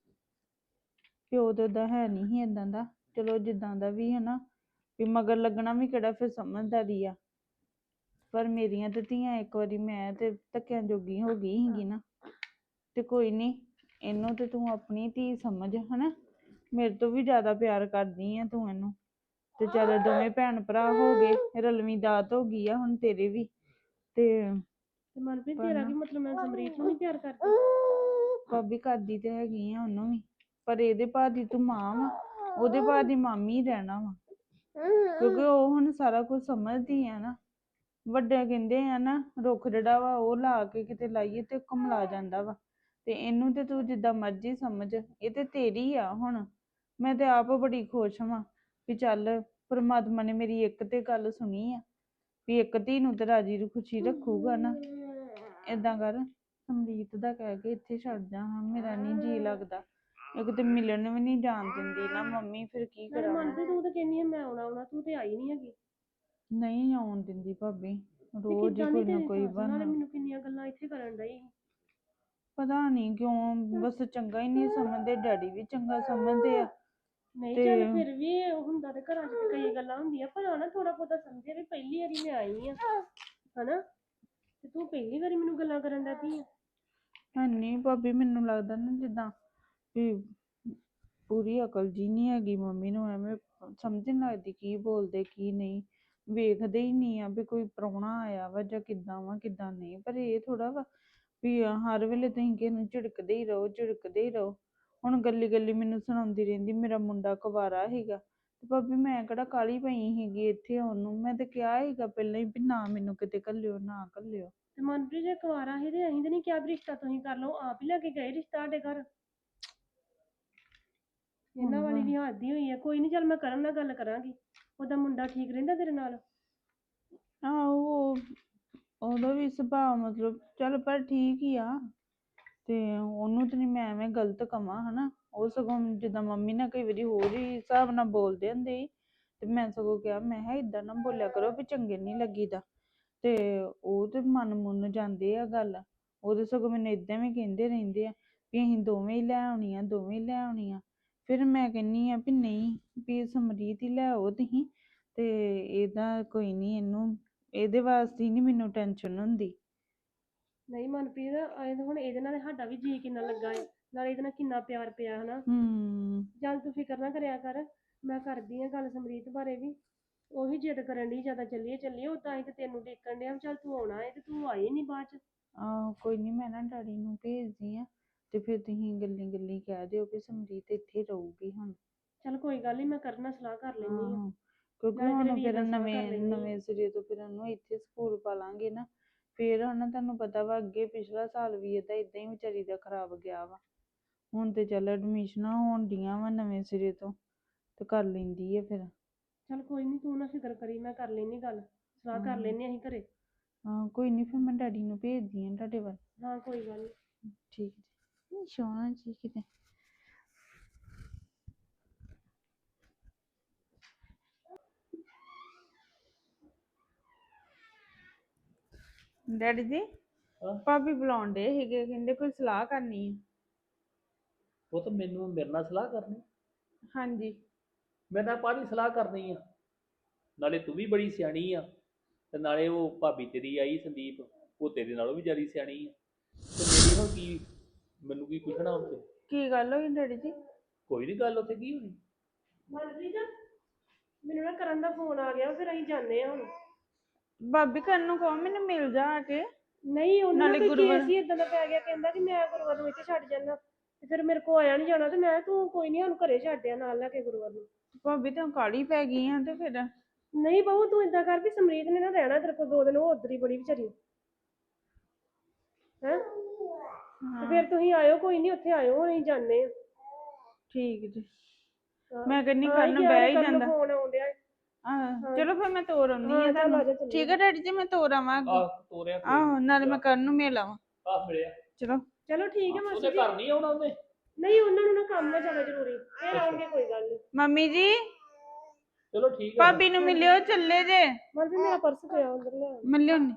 ਪਿਓ ਤੇ ਉਹਦਾ ਹੈ ਨਹੀਂ ਸੀ ਏਦਾਂ ਦਾ। ਚਲੋ ਜਿੱਦਾਂ ਦਾ ਵੀ ਹਨਾ ਵੀ ਮਗਰ ਲੱਗਣਾ ਵੀ ਕਿਹੜਾ ਫਿਰ ਸਮਝਦਾਰੀ ਆ। ਪਰ ਮੇਰੀਆਂ ਤੇ ਧੀਆਂ ਇੱਕ ਵਾਰੀ ਮੈਂ ਤੇ ਧੱਕਿਆਂ ਜੋਗੀ ਹੋ ਗਈ ਸੀਗੀ ਨਾ। ਤੇ ਕੋਈ ਨਹੀਂ, ਇਹਨੂੰ ਤੇ ਤੂੰ ਆਪਣੀ ਧੀ ਸਮਝ ਹਨਾ। ਮੇਰੇ ਤੋਂ ਵੀ ਜ਼ਿਆਦਾ ਪਿਆਰ ਕਰਦੀ ਆ ਤੂੰ ਇਹਨੂੰ। ਤੇ ਚੱਲ ਦੋਵੇਂ ਭੈਣ ਭਰਾ ਹੋ ਗਏ, ਰਲਵੀਂ ਦਾਤ ਹੋ ਗਈ ਆ ਹੁਣ ਤੇਰੇ ਵੀ। ਤੇ ਤੇ ਮਨਪ੍ਰੀਤ ਤੇਰਾ ਕੀ ਮਤਲਬ, ਮੈਂ ਸਮਰੀਤ ਨੂੰ ਨਹੀਂ ਪਿਆਰ ਕਰਦੀ? ਭਾਬੀ ਕਰਦੀ ਤੇ ਹੈਗੀ ਆ ਉਹਨੂੰ ਵੀ, ਪਰ ਇਹਦੇ ਭਾਅ ਦੀ ਤੂੰ ਮਾਂ ਵਾ, ਉਹਦੇ ਭਾਅ ਦੀ ਮਾਮੀ ਰਹਿਣਾ ਵਾ। ਕਿਉਂਕਿ ਉਹ ਹੁਣ ਸਾਰਾ ਕੁਝ ਸਮਝਦੀ ਆ ਨਾ। ਵੱਡੇ ਕਹਿੰਦੇ ਆ ਨਾ ਰੁੱਖ ਜਿਹੜਾ ਵਾ ਉਹ ਲਾ ਕੇ ਕਿਤੇ ਲਾਈਏ ਤੇ ਕਮਲਾ ਜਾਂਦਾ ਵਾ। ਤੇ ਇਹਨੂੰ ਤੇ ਤੂੰ ਜਿੱਦਾਂ ਮਰਜ਼ੀ ਸਮਝ, ਇਹ ਤੇ ਤੇਰੀ ਆ ਹੁਣ। ਮੈਂ ਤੇ ਆਪ ਬੜੀ ਖੁਸ਼ ਹਾਂ ਵੀ ਚੱਲ ਪਰਮਾਤਮਾ ਨੇ ਮੇਰੀ ਇੱਕ ਤੇ ਗੱਲ ਸੁਣੀ ਆ ਵੀ ਇੱਕ ਧੀ ਨੂੰ ਤੇ ਰਾਜੀ ਖੁਸ਼ੀ ਰੱਖੂਗਾ ਨਾ। ਏਦਾਂ ਕਰ, ਸਮਰੀਤ ਦਾ ਕਹਿ ਕੇ ਇੱਥੇ ਛੱਡ ਜਾ। ਹਾਂ ਮੇਰਾ ਨਹੀਂ ਜੀ ਲੱਗਦਾ। ਇੱਕ ਤੇ ਮਿਲਣ ਵੀ ਨਹੀਂ ਜਾਣ ਦਿੰਦੀ ਨਾ ਮੰਮੀ, ਫਿਰ ਕੀ ਨਾਲੇ ਕਰਾਂ। ਮਨਪ੍ਰੀਤ ਤੂੰ ਤਾਂ ਕਹਿੰਦੀ ਆ ਮੈਂ ਆਉਣਾ ਆਉਣਾ, ਤੂੰ ਤੇ ਆਈ ਨਹੀਂ ਹੈਗੀ। ਨਹੀਂ ਆਉਣ ਦਿੰਦੀ ਭਾਬੀ, ਤੇ ਰੋਜ਼ ਹੀ ਕਿੱਦਾਂ ਕੋਈ ਦੀ ਨਾ ਤੇਰੀ ਕੋਈ ਸੱਸ, ਨਾਲੇ ਬਹਾਨਾ। ਮੈਨੂੰ ਕਿੰਨੀਆਂ ਗੱਲਾਂ ਇੱਥੇ ਕਰਨ ਡਈ ਸੀ। ਪਤਾ ਨਹੀਂ ਕਿਉਂ, ਬਸ ਚੰਗਾ ਹੀ ਨਹੀਂ ਸਮਝਦੇ। ਡੈਡੀ ਵੀ ਚੰਗਾ ਸਮਝਦੇ ਆ। ਨਹੀਂ ਤੇ ਚੱਲ ਫਿਰ ਵੀ ਇਹ ਹੁੰਦਾ ਤੇ ਘਰਾਂ 'ਚ ਤੇ ਕਈ ਗੱਲਾਂ ਹੁੰਦੀਆਂ, ਪਰ ਆ ਨਾ ਥੋੜਾ ਬਹੁਤਾ ਸਮਝੇ ਵੀ ਪਹਿਲੀ ਵਾਰੀ ਮੈਂ ਆਈ ਆ ਹਨਾ। ਤੇ ਤੂੰ ਪਹਿਲੀ ਵਾਰੀ ਮੈਨੂੰ ਗੱਲਾਂ ਕਰਨ ਲੱਗ ਪਈ ਆ। ਹੈ ਨਹੀਂ ਭਾਬੀ, ਮੈਨੂੰ ਲੱਗਦਾ ਨਾ ਜਿੱਦਾਂ ਵੀ ਪੂਰੀ ਅਕਲ ਜੀ ਨਹੀਂ ਹੈਗੀ ਮੰਮੀ ਨੂੰ। ਐਵੇਂ ਸਮਝ ਨਹੀਂ ਲੱਗਦੀ ਕੀ ਬੋਲਦੇ ਕੀ ਨਹੀਂ। ਵੇਖਦੇ ਹੀ ਨਹੀਂ ਆ ਵੀ ਕੋਈ ਪ੍ਰਾਹੁਣਾ ਆਇਆ ਵਾ ਜਾਂ ਕਿੱਦਾਂ ਵਾ ਕਿੱਦਾਂ ਨਹੀਂ। ਪਰ ਇਹ ਥੋੜਾ ਵਾ ਵੀ ਹਰ ਵੇਲੇ ਤੁਸੀਂ ਕਿਸੇ ਨੂੰ ਝਿੜਕਦੇ ਹੀ ਰਹੋ ਝਿੜਕਦੇ ਹੀ ਰਹੋ। ਹੁਣ ਗੱਲੀ ਗੱਲੀ ਮੈਨੂੰ ਸੁਣਾਉਂਦੀ ਰਹਿੰਦੀ ਮੇਰਾ ਮੁੰਡਾ ਕੁਵਾਰਾ ਸੀਗਾ। ਤੇ ਭਾਬੀ ਮੈਂ ਕਿਹੜਾ ਕਾਹਲੀ ਪਈ ਸੀਗੀ ਇੱਥੇ ਆਉਣ ਨੂੰ। ਮੈਂ ਤੇ ਕਿਹਾ ਸੀਗਾ ਪਹਿਲਾਂ ਹੀ ਵੀ ਨਾ ਮੈਨੂੰ ਕਿਤੇ ਘੱਲਿਓ ਨਾ ਘੱਲਿਓ। ਤੇ ਮਨਪ੍ਰੀਤ ਜੇ ਕੁਆਰਾ ਸੀ ਤੇ ਅਸੀਂ ਤੇ ਨਹੀਂ ਕਿਹਾ ਵੀ ਰਿਸ਼ਤਾ ਤੁਸੀਂ ਕਰ ਲਓ, ਆਪ ਹੀ ਲੈ ਕੇ ਗਏ ਰਿਸ਼ਤਾ ਸਾਡੇ ਘਰ। ਇਹਨਾਂ ਵਾਲੀ ਵੀ ਹੱਦ ਹੀ ਹੋਈ ਆ। ਕੋਈ ਨਹੀਂ ਚੱਲ ਮੈਂ ਕਰਨ ਨਾਲ ਗੱਲ ਕਰਾਂਗੀ। ਉਹਦਾ ਮੁੰਡਾ ਠੀਕ ਰਹਿੰਦਾ ਤੇਰੇ ਨਾਲ? ਆਹੋ ਉਹਦਾ ਵੀ ਸੁਭਾਅ ਮਤਲਬ ਚੱਲ ਪਰ ਠੀਕ ਹੀ ਆ। ਤੇ ਉਹਨੂੰ ਤੇ ਨਹੀਂ ਮੈਂ ਐਵੇਂ ਗਲਤ ਕਵਾਂ ਹਨਾ। ਉਹ ਸਗੋਂ ਜਿੱਦਾਂ ਮੰਮੀ ਨਾਲ ਕਈ ਵਾਰੀ ਹੋਰ ਹੀ ਹਿਸਾਬ ਨਾਲ ਬੋਲਦੇ ਹੁੰਦੇ ਸੀ। ਤੇ ਮੈਂ ਸਗੋਂ ਕਿਹਾ ਮੈਂ ਕਿਹਾ ਏਦਾਂ ਨਾ ਬੋਲਿਆ ਕਰੋ ਵੀ ਚੰਗੇ ਨਹੀਂ ਲੱਗੀਦਾ। ਤੇ ਉਹ ਤੇ ਮਨ ਮੁੰਨ ਜਾਂਦੇ ਆ ਗੱਲ। ਉਹਦੇ ਸਗੋਂ ਮੈਨੂੰ ਏਦਾਂ ਵੀ ਕਹਿੰਦੇ ਰਹਿੰਦੇ ਆ ਵੀ ਅਸੀਂ ਦੋਵੇਂ ਹੀ ਲੈ ਆਉਣੀ ਆ ਦੋਵੇਂ ਹੀ ਲੈ ਆਉਣੀ ਆ। ਫਿਰ ਮੈਂ ਕਹਿੰਦੀ ਆ ਵੀ ਨਹੀਂ, ਵੀ ਸਮਰੀਤ ਹੀ ਲੈ ਆਓ ਤੁਸੀਂ। ਤੇ ਇਹਦਾ ਕੋਈ ਨਹੀਂ, ਇਹਨੂੰ ਇਹਦੇ ਵਾਸਤੇ ਨਹੀਂ ਮੈਨੂੰ ਟੈਨਸ਼ਨ ਹੁੰਦੀ। ਨਹੀਂ ਮਨਪ੍ਰੀਤ ਐਂ ਤਾਂ ਹੁਣ ਇਹਦੇ ਨਾਲ ਸਾਡਾ ਵੀ ਜੀ ਕਿੰਨਾ ਲੱਗਾ ਏ, ਨਾਲੇ ਇਹਦੇ ਨਾਲ ਕਿੰਨਾ ਪਿਆਰ ਪਿਆ ਹਨਾ। ਹੂੰ ਚੱਲ ਤੂੰ ਫਿਕਰ ਨਾ ਕਰਿਆ ਕਰ, ਮੈਂ ਕਰਦੀ ਆ ਗੱਲ ਸਮਰੀਤ ਬਾਰੇ ਵੀ। ਉਹ ਵੀ ਜਿੱਦ ਕਰਨ ਡਈ ਜ਼ਿਆਦਾ ਚੱਲੀਏ ਚੱਲੀਏ, ਉਦਾਂ ਅਸੀਂ ਤੇ ਤੈਨੂੰ ਦੇਖਣ ਡਿਆ ਚੱਲ ਤੂੰ ਆਉਣਾ ਏ ਤੇ ਤੂੰ ਆਈ ਨਹੀਂ ਬਾਅਦ ਚ। ਆਹੋ ਕੋਈ ਨਹੀਂ, ਮੈਂ ਨਾ ਡੈਡੀ ਨੂੰ ਭੇਜਦੀ ਆ ਤੇ ਫਿਰ ਤੁਸੀਂ ਗੱਲੀ ਗੱਲੀ ਕਹਿ ਦਿਓ ਵੀ ਸਮਰੀਤ ਇੱਥੇ ਰਹੂਗੀ ਹੁਣ। ਚੱਲ ਕੋਈ ਗੱਲ ਨਹੀਂ, ਮੈਂ ਕਰਨਾ ਸਲਾਹ ਕਰ ਲੈਂਦੀ ਆ। ਆਹੋ ਕਿਉਂਕਿ ਨਾਲੇ ਤੇਰੇ ਹੁਣ ਵੀਰ ਫਿਰ ਨਾਲ ਸਲਾਹ ਕਰ ਨਵੇਂ ਲੈਂਦੀ ਆ। ਨਵੇਂ ਸਿਰੇ ਤੋਂ ਫਿਰ ਉਹਨੂੰ ਇੱਥੇ ਸਕੂਲ ਪਾ ਲਾਂਗੇ ਨਾ। ਫਿਰ ਹਨਾ ਤੁਹਾਨੂੰ ਪਤਾ ਵਾ ਅੱਗੇ ਪਿਛਲਾ ਸਾਲ ਵੀ ਇਹਦਾ ਏਦਾਂ ਹੀ ਵਿਚਾਰੀ ਦਾ ਖਰਾਬ ਗਿਆ ਵਾ। ਹੁਣ ਤੇ ਚੱਲ ਐਡਮਿਸ਼ਨਾਂ ਹੋਣ ਡੀਆਂ ਵਾ ਨਵੇਂ ਸਿਰੇ ਤੋਂ ਤੇ ਕਰ ਲੈਂਦੀ ਆ ਫਿਰ। ਚੱਲ ਕੋਈ ਨਹੀਂ, ਤੂੰ ਨਾ ਫਿਕਰ ਕਰੀ, ਮੈਂ ਕਰ ਲੈਂਦੀ ਗੱਲ, ਸਲਾਹ ਕਰ ਲੈਂਦੇ ਅਸੀਂ ਘਰੇ। ਹਾਂ ਕੋਈ ਨਹੀਂ, ਫਿਰ ਮੈਂ ਡੈਡੀ ਨੂੰ ਭੇਜਦੀ ਆ ਤੁਹਾਡੇ ਵੱਲ। ਹਾਂ ਕੋਈ ਗੱਲ ਨਹੀਂ। ਠੀਕ ਜੀ, ਸੋਹਣਾ ਜੀ ਕਿਤੇ। ਡੈਡੀ ਜੀ ਹਾਂ? ਭਾਬੀ ਬੁਲਾਉਣ ਡੇ ਸੀਗੇ, ਕਹਿੰਦੇ ਕੋਈ ਸਲਾਹ ਕਰਨੀ ਆ। ਉਹ ਤਾਂ ਮੈਨੂੰ ਮੇਰੇ ਨਾਲ ਸਲਾਹ ਕਰਨੀ? ਹਾਂਜੀ। ਮੇਰੇ ਨਾਲ ਕਾਹਦੀ ਸਲਾਹ ਕਰਨੀ ਆ? ਨਾਲੇ ਤੂੰ ਵੀ ਬੜੀ ਸਿਆਣੀ ਆ, ਤੇ ਨਾਲੇ ਉਹ ਭਾਬੀ ਤੇਰੀ ਆਈ ਸੰਦੀਪ, ਉਹ ਤੇਰੇ ਨਾਲੋਂ ਵੀ ਜ਼ਿਆਦਾ ਸਿਆਣੀ ਆ। ਤੇ ਮੇਰੀ ਹੁਣ ਕੀ, ਮੈਨੂੰ ਕੀ ਪੁੱਛਣਾ ਉੱਥੇ? ਕੀ ਗੱਲ ਹੋਈ ਡੈਡੀ ਜੀ? ਕੋਈ ਨਹੀਂ ਗੱਲ ਉੱਥੇ ਕੀ ਹੋਣੀ। ਮਨਪ੍ਰੀਤ ਮੈਨੂੰ ਨਾ ਕਰਨ ਦਾ ਫੋਨ ਆ ਗਿਆ, ਫਿਰ ਅਸੀਂ ਜਾਂਦੇ ਆ ਹੁਣ। ਭਾਬੀ ਕਰਨ ਨੂੰ ਕਹੋ ਮੈਨੂੰ ਮਿਲ ਜਾ ਆ ਕੇ। ਨਹੀਂ ਉਹਨਾਂ ਨਾਲੇ ਦਾ ਕੋਈ ਗੁਰੂਵਾਰ- ਕੇਸ ਹੀ ਇਦਾਂ ਦਾ ਪੈ ਗਿਆ, ਕਹਿੰਦਾ ਕਿ ਮੈਂ ਗੁਰੂਵਾਰ ਨੂੰ ਇੱਥੇ ਛੱਡ ਜਾਣਾ, ਤੇ ਫਿਰ ਮੇਰੇ ਕੋ ਆਇਆ ਨਹੀਂ ਜਾਣਾ, ਤੇ ਮੈਂ ਤੂੰ ਕੋਈ ਨਹੀਂ ਉਹਨੂੰ ਘਰੇ ਛੱਡਿਆ ਨਾਲ ਲੈ ਕੇ ਗੁਰੂਵਾਰ ਨੂੰ। ਭਾਬੀ ਤੂੰ ਕਾਲੀ ਪੈ ਗਈ ਆ ਤੇ ਫਿਰ? ਨਹੀਂ ਬਹੂ ਤੂੰ ਏਦਾਂ ਕਰ ਵੀ ਸਮਰੀਤ ਨੇ ਨਾ ਰਹਿਣਾ ਤੇਰੇ ਕੋਲ ਦੋ ਦਿਨ, ਉਹ ਉੱਧਰ ਹੀ ਬੜੀ ਵਿਚਾਰੀ ਹੈ। ਤੇ ਫਿਰ ਤੁਸੀਂ ਆਇਓ, ਕੋਈ ਨਹੀਂ ਉੱਥੇ ਆਇਓ, ਹੁਣ ਅਸੀਂ ਜਾਂਦੇ ਆ। ਠੀਕ ਜੀ। ਹਾਂ। ਮੈਂ ਕਹਿੰਨੀ ਹਾਂ, ਕਰਨ ਯਾਰ ਬਹਿ ਹੀ ਕਰਨ ਨੂੰ ਜਾਂਦਾ। ਫੋਨ ਆਉਣ ਡਿਆ। ਆਹ ਚਲੋ ਫਿਰ ਮੈਂ ਤੋਰ ਆਉਂਦੀ ਹਾਂ, ਆ ਚੱਲ ਆ ਤੁਹਾਨੂੰ। ਜਾ ਚੱਲੀਏ। ਠੀਕ ਹੈ ਡੈਡੀ ਜੀ, ਮੈਂ ਤੋਰ ਆਵਾਂ ਅੱਗੋਂ। ਆਹ ਤੋਰਿਆ ਕੋਈ ਆਹੋ ਨੀ। ਨਾਲੇ ਮੈਂ ਕਰਨ ਨੂੰ ਮਿਲ ਆਵਾਂ। ਆਹ ਮਿਲਿਆ। ਚਲੋ ਚਲੋ ਠੀਕ ਹੈ ਮਾਸੀ ਉਹਦੇ ਜੀ। ਘਰ ਨਹੀਂ ਆਉਣਾ ਉਹਨੇ? ਨਹੀਂ ਉਹਨਾਂ ਨੂੰ ਨਾ ਕੰਮ ਹੈ ਜ਼ਿਆਦਾ ਜ਼ਰੂਰੀ, ਫਿਰ ਆਉਣਗੇ, ਕੋਈ ਗੱਲ ਨਹੀਂ। ਮੰਮੀ ਜੀ ਚਲੋ ਠੀਕ ਹੈ। ਭਾਬੀ ਨੂੰ ਮਿਲਿਓ, ਚੱਲੇ ਜੇ। ਮਨ ਵੀ ਮੇਰਾ ਪਰਸ ਪਿਆ ਅੰਦਰ ਲੈ ਆਓ। ਮਿਲਿਓ ਨੀ।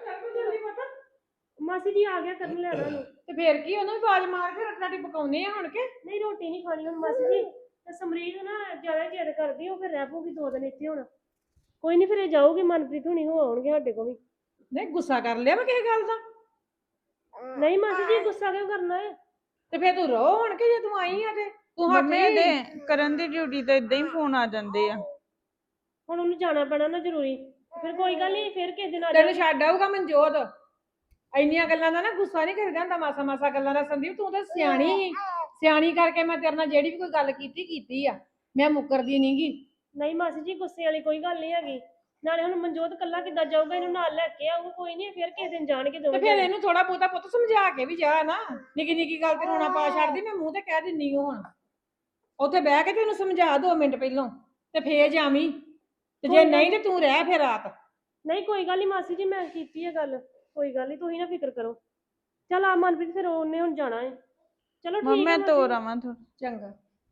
ਮਾਸੀ ਜੀ ਆ ਗਿਆ ਕਰਨ ਲੈਣਾ ਨੂੰ। ਤੇ ਫੇਰ ਕੀ ਉਹਨੂੰ ਵੀ ਆਵਾਜ਼ ਮਾਰ ਕੇ ਰੋਟੀ ਰਾਟੀ ਪਕਾਉਨੇ ਆ ਹੁਣ ਕੇ? ਨਹੀਂ ਰੋਟੀ ਨਹੀਂ ਖਾਣੀ ਹੁਣ ਮਾਸੀ ਜੀ, ਤੇ ਸਮਰੀਤ ਨਾ ਜ਼ਿਆਦਾ ਜਿੱਦ ਕਰਦੀ, ਉਹ ਫਿਰ ਰਹਿ ਪਊਗੀ ਦੋ ਦਿਨ ਇੱਥੇ ਹੁਣ। ਕੋਈ ਨਹੀਂ ਫਿਰ ਇਹ ਜਾਊਗੀ, ਮਨਪ੍ਰੀਤ ਹੁਣੀ ਹੋ ਆਉਣਗੇ ਸਾਡੇ ਕੋਲ ਵੀ। ਨਹੀਂ ਗੁੱਸਾ ਕਰ ਲਿਆ ਮੈਂ ਕਿਸੇ ਗੱਲ ਦਾ? ਨਹੀਂ ਮਾਸੀ ਜੀ ਗੁੱਸਾ ਕਿਉਂ ਕਰਨਾ ਹੈ? ਤੇ ਫੇਰ ਤੂੰ ਰੋ ਹੁਣ ਕੇ, ਜੇ ਤੂੰ ਆਈ ਆ ਤੇ ਤੂੰ ਹੱਥ ਮੰਮੀ ਦੇ ਕਰਨ ਦੀ ਡਿਊਟੀ ਤੇ ਇਦਾਂ ਹੀ ਫੋਨ ਆ ਜਾਂਦੇ ਆ। ਹੁਣ ਉਹਨੂੰ ਜਾਣਾ ਪੈਣਾ ਨਾ ਜ਼ਰੂਰੀ, ਫਿਰ ਕੋਈ ਗੱਲ ਨਹੀਂ, ਫਿਰ ਕਿਸੇ ਦਿਨ ਆ ਤੈਨੂੰ ਜਾਊਗੀ। ਛੱਡ ਆਊਗਾ ਮਨਜੋਤ। ਇੰਨੀਆਂ ਗੱਲਾਂ ਦਾ ਨਾ ਗੁੱਸਾ ਨਹੀਂ ਕਰੀਦਾ ਹੁੰਦਾ, ਮਾਸਾ ਮਾਸਾ ਗੱਲਾਂ ਦਾ। ਸੰਦੀਪ ਤੂੰ ਤਾਂ ਸਿਆਣੀ ਸੀ, ਸਿਆਣੀ ਕਰਕੇ ਮੈਂ ਤੇਰੇ ਨਾਲ ਜਿਹੜੀ ਵੀ ਕੋਈ ਗੱਲ ਕੀਤੀ ਕੀਤੀ ਆ, ਮੈਂ ਮੁੱਕਰਦੀ ਨਹੀਂਗੀ। ਨਹੀਂ ਮਾਸੀ ਜੀ ਗੁੱਸੇ ਵਾਲੀ ਕੋਈ ਗੱਲ ਨਹੀਂ ਹੈਗੀ, ਨਾਲੇ ਹੁਣ ਮਨਜੋਤ ਕੱਲਾ ਕਿੱਦਾਂ ਜਾਊਗਾ, ਇਹਨੂੰ ਨਾਲ ਲੈ ਕੇ ਆਊਗਾ, ਕੋਈ ਨਹੀਂ ਫਿਰ ਕਿਸੇ ਦਿਨ ਜਾਣਗੇ ਤੇ ਦੋਵੇਂ ਫਿਰ ਜਣੇ। ਇਹਨੂੰ ਥੋੜਾ ਬਹੁਤਾ ਪੁੱਤ ਸਮਝਾ ਕੇ ਵੀ ਜਾ ਨਾ, ਨਿੱਕੀ ਨਿੱਕੀ ਗੱਲ ਤੇ ਰੋਣਾ ਪਾ ਛੱਡਦੀ। ਮੈਂ ਮੂੰਹ ਤੇ ਕਹਿ ਦਿੰਨੀ ਓ ਹੁਣ, ਉੱਥੇ ਬਹਿ ਕੇ ਤੈਨੂੰ ਸਮਝਾ ਦੋ ਮਿੰਟ ਪਹਿਲੋਂ, ਤੇ ਫੇਰ ਜਾਵੀਂ। ਤੇ ਜੇ ਨਹੀਂ ਤੇ ਤੂੰ ਰਹਿ ਫਿਰ ਰਾਤ। ਨਹੀਂ ਕੋਈ ਗੱਲ ਨਹੀਂ ਮਾਸੀ ਜੀ, ਮੈਂ ਕੀਤੀ ਹੈ ਗੱਲ, ਕੋਈ ਗੱਲ ਨਹੀਂ, ਤੁਸੀਂ ਨਾ ਫਿਕਰ ਕਰੋ। ਚਲ ਆ ਮਨਪ੍ਰੀਤ, ਫਿਰ ਉਹਨੇ ਹੁਣ ਜਾਣਾ ਹੈ। ਚਲੋ ਮੰਮੀ ਠੀਕ ਹੈ ਮੈਂ ਤੋਰ ਆਵਾਂ ਥੋੜਾ। ਚੰਗਾ।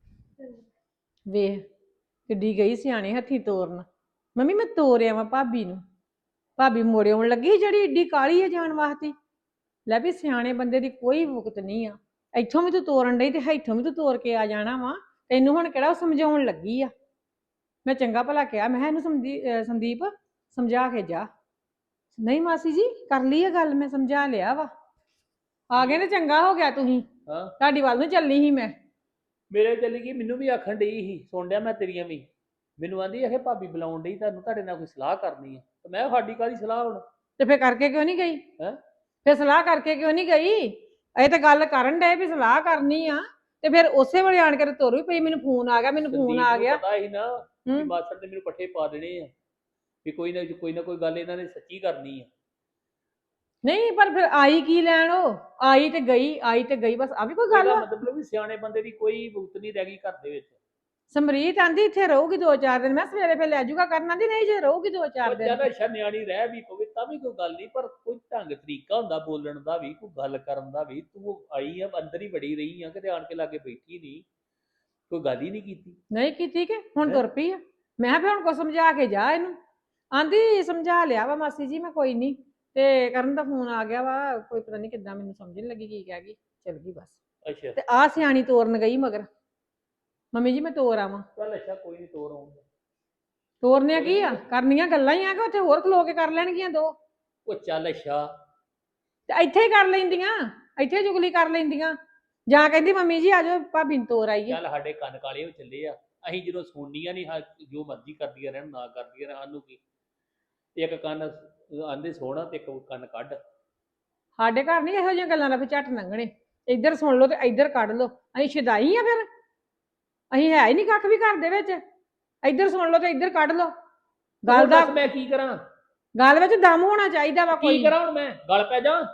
ਵੇਖ ਕਿੱਡੀ ਗਈ ਸਿਆਣੇ ਹੱਥੀ ਤੋਰਨ। ਮੰਮੀ ਮੈਂ ਤੋਰਿਆ ਵਾਂ ਭਾਬੀ ਨੂੰ, ਭਾਬੀ ਮੋੜੇ ਆਉਣ ਲੱਗੀ ਜਿਹੜੀ ਏਡੀ ਕਾਲੀ ਹੈ ਜਾਣ ਵਾਸਤੇ। ਲੈ ਵੀ ਸਿਆਣੇ ਬੰਦੇ ਦੀ ਕੋਈ ਮੁਕਤ ਨਹੀਂ ਆ, ਇੱਥੋਂ ਵੀ ਤੂੰ ਤੋਰਨ ਡਈ ਤੇ ਇੱਥੋਂ ਵੀ ਤੂੰ ਤੋਰ ਕੇ ਆ ਜਾਣਾ ਵਾ। ਤੈਨੂੰ ਹੁਣ ਕਿਹੜਾ ਉਹ ਸਮਝਾਉਣ ਲੱਗੀ ਆ? ਮੈਂ ਚੰਗਾ ਭਲਾ ਕਿਹਾ, ਮੈਂ ਕਿਹਾ ਇਹਨੂੰ ਸਮਝੀ ਸੰਦੀਪ ਸਮਝਾ ਕੇ ਜਾ। ਨਹੀਂ ਮਾਸੀ ਜੀ ਕਰ ਲਈ ਇਹ ਗੱਲ, ਮੈਂ ਸਮਝਾ ਲਿਆ ਵਾ। ਆ ਗਏ ਤੇ ਚੰਗਾ ਹੋ ਗਿਆ, ਤੁਸੀਂ ਹਾਂ ਤੁਹਾਡੀ ਵੱਲ ਨੂੰ ਚੱਲੀ ਸੀ ਮੈਂ। ਮੇਰੇ ਚੱਲੀ ਗਈ, ਮੈਨੂੰ ਵੀ ਆਖਣ ਡਈ ਸੀ, ਸੁਣ ਡਿਆ ਮੈਂ ਤੇਰੀਆਂ ਵੀ। ਮੈਨੂੰ ਆਂਦੀ ਇਹ ਭਾਬੀ ਬੁਲਾਉਣ ਡਈ ਤੁਹਾਨੂੰ, ਤੁਹਾਡੇ ਨਾਲ ਕੋਈ ਸਲਾਹ ਕਰਨੀ ਆ। ਤੇ ਮੈਂ ਕਿਹਾ ਸਾਡੀ ਕਾਹਦੀ ਸਲਾਹ ਹੁਣ? ਤੇ ਫੇਰ ਕਰਕੇ ਕਿਉਂ ਨਹੀਂ ਗਈ? ਹੈਂ? ਫੇਰ ਸਲਾਹ ਕਰਕੇ ਕਿਉਂ ਨਹੀਂ ਗਈ? ਇਹ ਤਾਂ ਗੱਲ ਕਰਨ ਡਏ ਵੀ ਸਲਾਹ ਕਰਨੀ ਆ, ਤੇ ਫਿਰ ਉਸੇ ਵੇਲੇ ਆਣ ਕੇ ਤੇ ਤੁਰ ਵੀ ਪਈ। ਮੈਨੂੰ ਫੋਨ ਆ ਗਿਆ, ਮੈਨੂੰ ਫੋਨ ਸੰਦੀਪ ਆ ਨੂੰ ਗਿਆ। ਪਤਾ ਸੀ ਨਾ ਵੀ ਹੂੰ। ਮਾਸਟਰ ਨੇ ਮੈਨੂੰ ਪੱਠੇ ਪਾ ਦੇਣੇ ਆ, ਵੀ ਕੋਈ ਨਾ ਕੋਈ ਨਾ ਕੋਈ ਗੱਲ ਇਹਨਾਂ ਨੇ ਸੱਚੀ ਕਰਨੀ ਆ। ਨਹੀਂ ਪਰ ਫਿਰ ਆਈ ਕੀ ਲੈਣ? ਉਹ ਆਈ ਤੇ ਗਈ, ਆਈ ਤੇ ਗਈ, ਬਸ ਆ ਵੀ ਕੋਈ ਗੱਲ ਇਹਦਾ ਆ? ਮਤਲਬ ਵੀ ਸਿਆਣੇ ਬੰਦੇ ਦੀ ਕੋਈ ਭੁਗਤ ਨਹੀਂ ਰਹਿ ਗਈ ਘਰ ਦੇ ਵਿੱਚ। ਸਮਰੀਤ ਆਂਦੀ ਇੱਥੇ ਰਹੂਗੀ ਦੋ ਚਾਰ ਦਿਨ, ਮੈਂ ਸਵੇਰੇ ਫਿਰ ਲੈ ਜਾਊਗਾ। ਕਰਨਾ ਦੀ ਨਹੀਂ, ਜੇ ਰਹੂਗੀ ਦੋ ਚਾਰ ਉਹ ਦਿਨ। ਚੱਲ ਅੱਛਾ ਨਿਆਣੀ ਰਹਿ ਵੀ ਪਵੇ ਤਾਂ ਵੀ ਕੋਈ ਗੱਲ ਨਹੀਂ, ਪਰ ਕੋਈ ਢੰਗ ਤਰੀਕਾ ਹੁੰਦਾ ਬੋਲਣ ਦਾ ਵੀ, ਕੋਈ ਗੱਲ ਕਰਨ ਦਾ ਵੀ। ਤੂੰ ਆਈ ਆ ਅੰਦਰ ਹੀ ਵੜੀ ਰਹੀ ਆ, ਕਿਤੇ ਆਣ ਕੇ ਲਾਗੇ ਬੈਠੀ ਨਹੀਂ, ਕੋਈ ਗੱਲ ਹੀ ਨਹੀਂ ਕੀਤੀ। ਨਹੀਂ ਕੀਤੀ ਕਿ ਹੁਣ ਹੈਂ? ਤੁਰ ਪਈ ਆ। ਮੈਂ ਕਿਹਾ ਵੀ ਹੁਣ ਕੋ ਸਮਝਾ ਕੇ ਜਾ ਇਹਨੂੰ। ਆਂਦੀ ਸਮਝਾ ਲਿਆ ਵਾ ਮਾਸੀ ਜੀ ਮੈਂ, ਕੋਈ ਨਹੀਂ। ਤੇ ਕਰਨ ਦਾ ਫੋਨ ਆ ਗਿਆ ਵਾ, ਕੋਈ ਪਤਾ ਨਹੀਂ ਕਿੱਦਾਂ, ਮੈਨੂੰ ਸਮਝ ਨਹੀਂ ਲੱਗੀ ਕੀ ਕਹਿ ਗਈ, ਚਲ ਗਈ ਬਸ। ਅੱਛਾ ਤੇ ਆ ਸਿਆਣੀ ਤੋਰਨ ਗਈ ਮਗਰ, ਮੰਮੀ ਜੀ ਮੈਂ ਤੋਰ ਆਵਾਂ। ਚੱਲ ਅੱਛਾ ਕੋਈ ਨਹੀਂ, ਤੋਰ ਆਉਂਗਾ। ਤੋਰਨੇ ਕੀ ਆ, ਕਰਨੀਆਂ ਗੱਲਾਂ ਹੀ ਆ ਕਿ ਉੱਥੇ ਹੋਰ ਖਲੋ ਕੇ ਕਰ ਲੈਣਗੀਆਂ ਦੋ? ਉਹ ਚੱਲ ਅੱਛਾ ਤੇ ਇੱਥੇ ਹੀ ਕਰ ਲੈਂਦੀਆਂ, ਇੱਥੇ ਜੁਗਲੀ ਕਰ ਲੈਂਦੀਆਂ। ਜਾਂ ਕਹਿੰਦੀ ਮੰਮੀ ਜੀ ਆਜੋ ਭਾਬੀ ਨੂੰ ਤੋਰ ਆਈਏ। ਚੱਲ ਸਾਡੇ ਕੰਨ ਕਾਲੇ ਹੋ ਚੱਲੇ ਆ, ਅਸੀਂ ਜਦੋਂ ਸੁਣਨੀਆਂ ਨਹੀਂ, ਜੋ ਮਰਜ਼ੀ ਕਰਦੀਆਂ ਰਹਿਣ, ਨਾ ਕਰਦੀਆਂ ਰਹਿਣ, ਸਾਨੂੰ ਕੀ। ਇੱਕ ਕੰਨ ਆਂਦੇ ਸੋਹਣਾ ਤੇ ਇੱਕ ਕੰਨ ਕੱਢ। ਸਾਡੇ ਘਰ ਨਹੀਂ ਇਹੋ ਜਿਹੀਆਂ ਗੱਲਾਂ ਦਾ ਫਿਰ ਝੱਟ ਲੰਘਣੇ। ਇੱਧਰ ਸੁਣ ਲਓ ਤੇ ਇੱਧਰ ਕੱਢ ਲਓ। ਅਸੀਂ ਸ਼ੁਦਾਈ ਆ ਫਿਰ? ਅਸੀਂ ਹੈ ਹੀ ਨਹੀਂ ਕੱਖ ਵੀ ਘਰ ਦੇ ਵਿੱਚ। ਇੱਧਰ ਸੁਣ ਲਓ ਤੇ ਇੱਧਰ ਕੱਢ ਲਓ। ਗੱਲ ਹੁਣ ਦਾ ਦੱਸ ਮੈਂ ਕੀ ਕਰਾਂ? ਗੱਲ ਵਿੱਚ ਦਮ ਹੋਣਾ ਚਾਹੀਦਾ ਵਾ ਕੀ ਕੋਈ। ਕਰਾਂ ਹੁਣ ਮੈਂ? ਗਲ ਪੈ ਜਾ?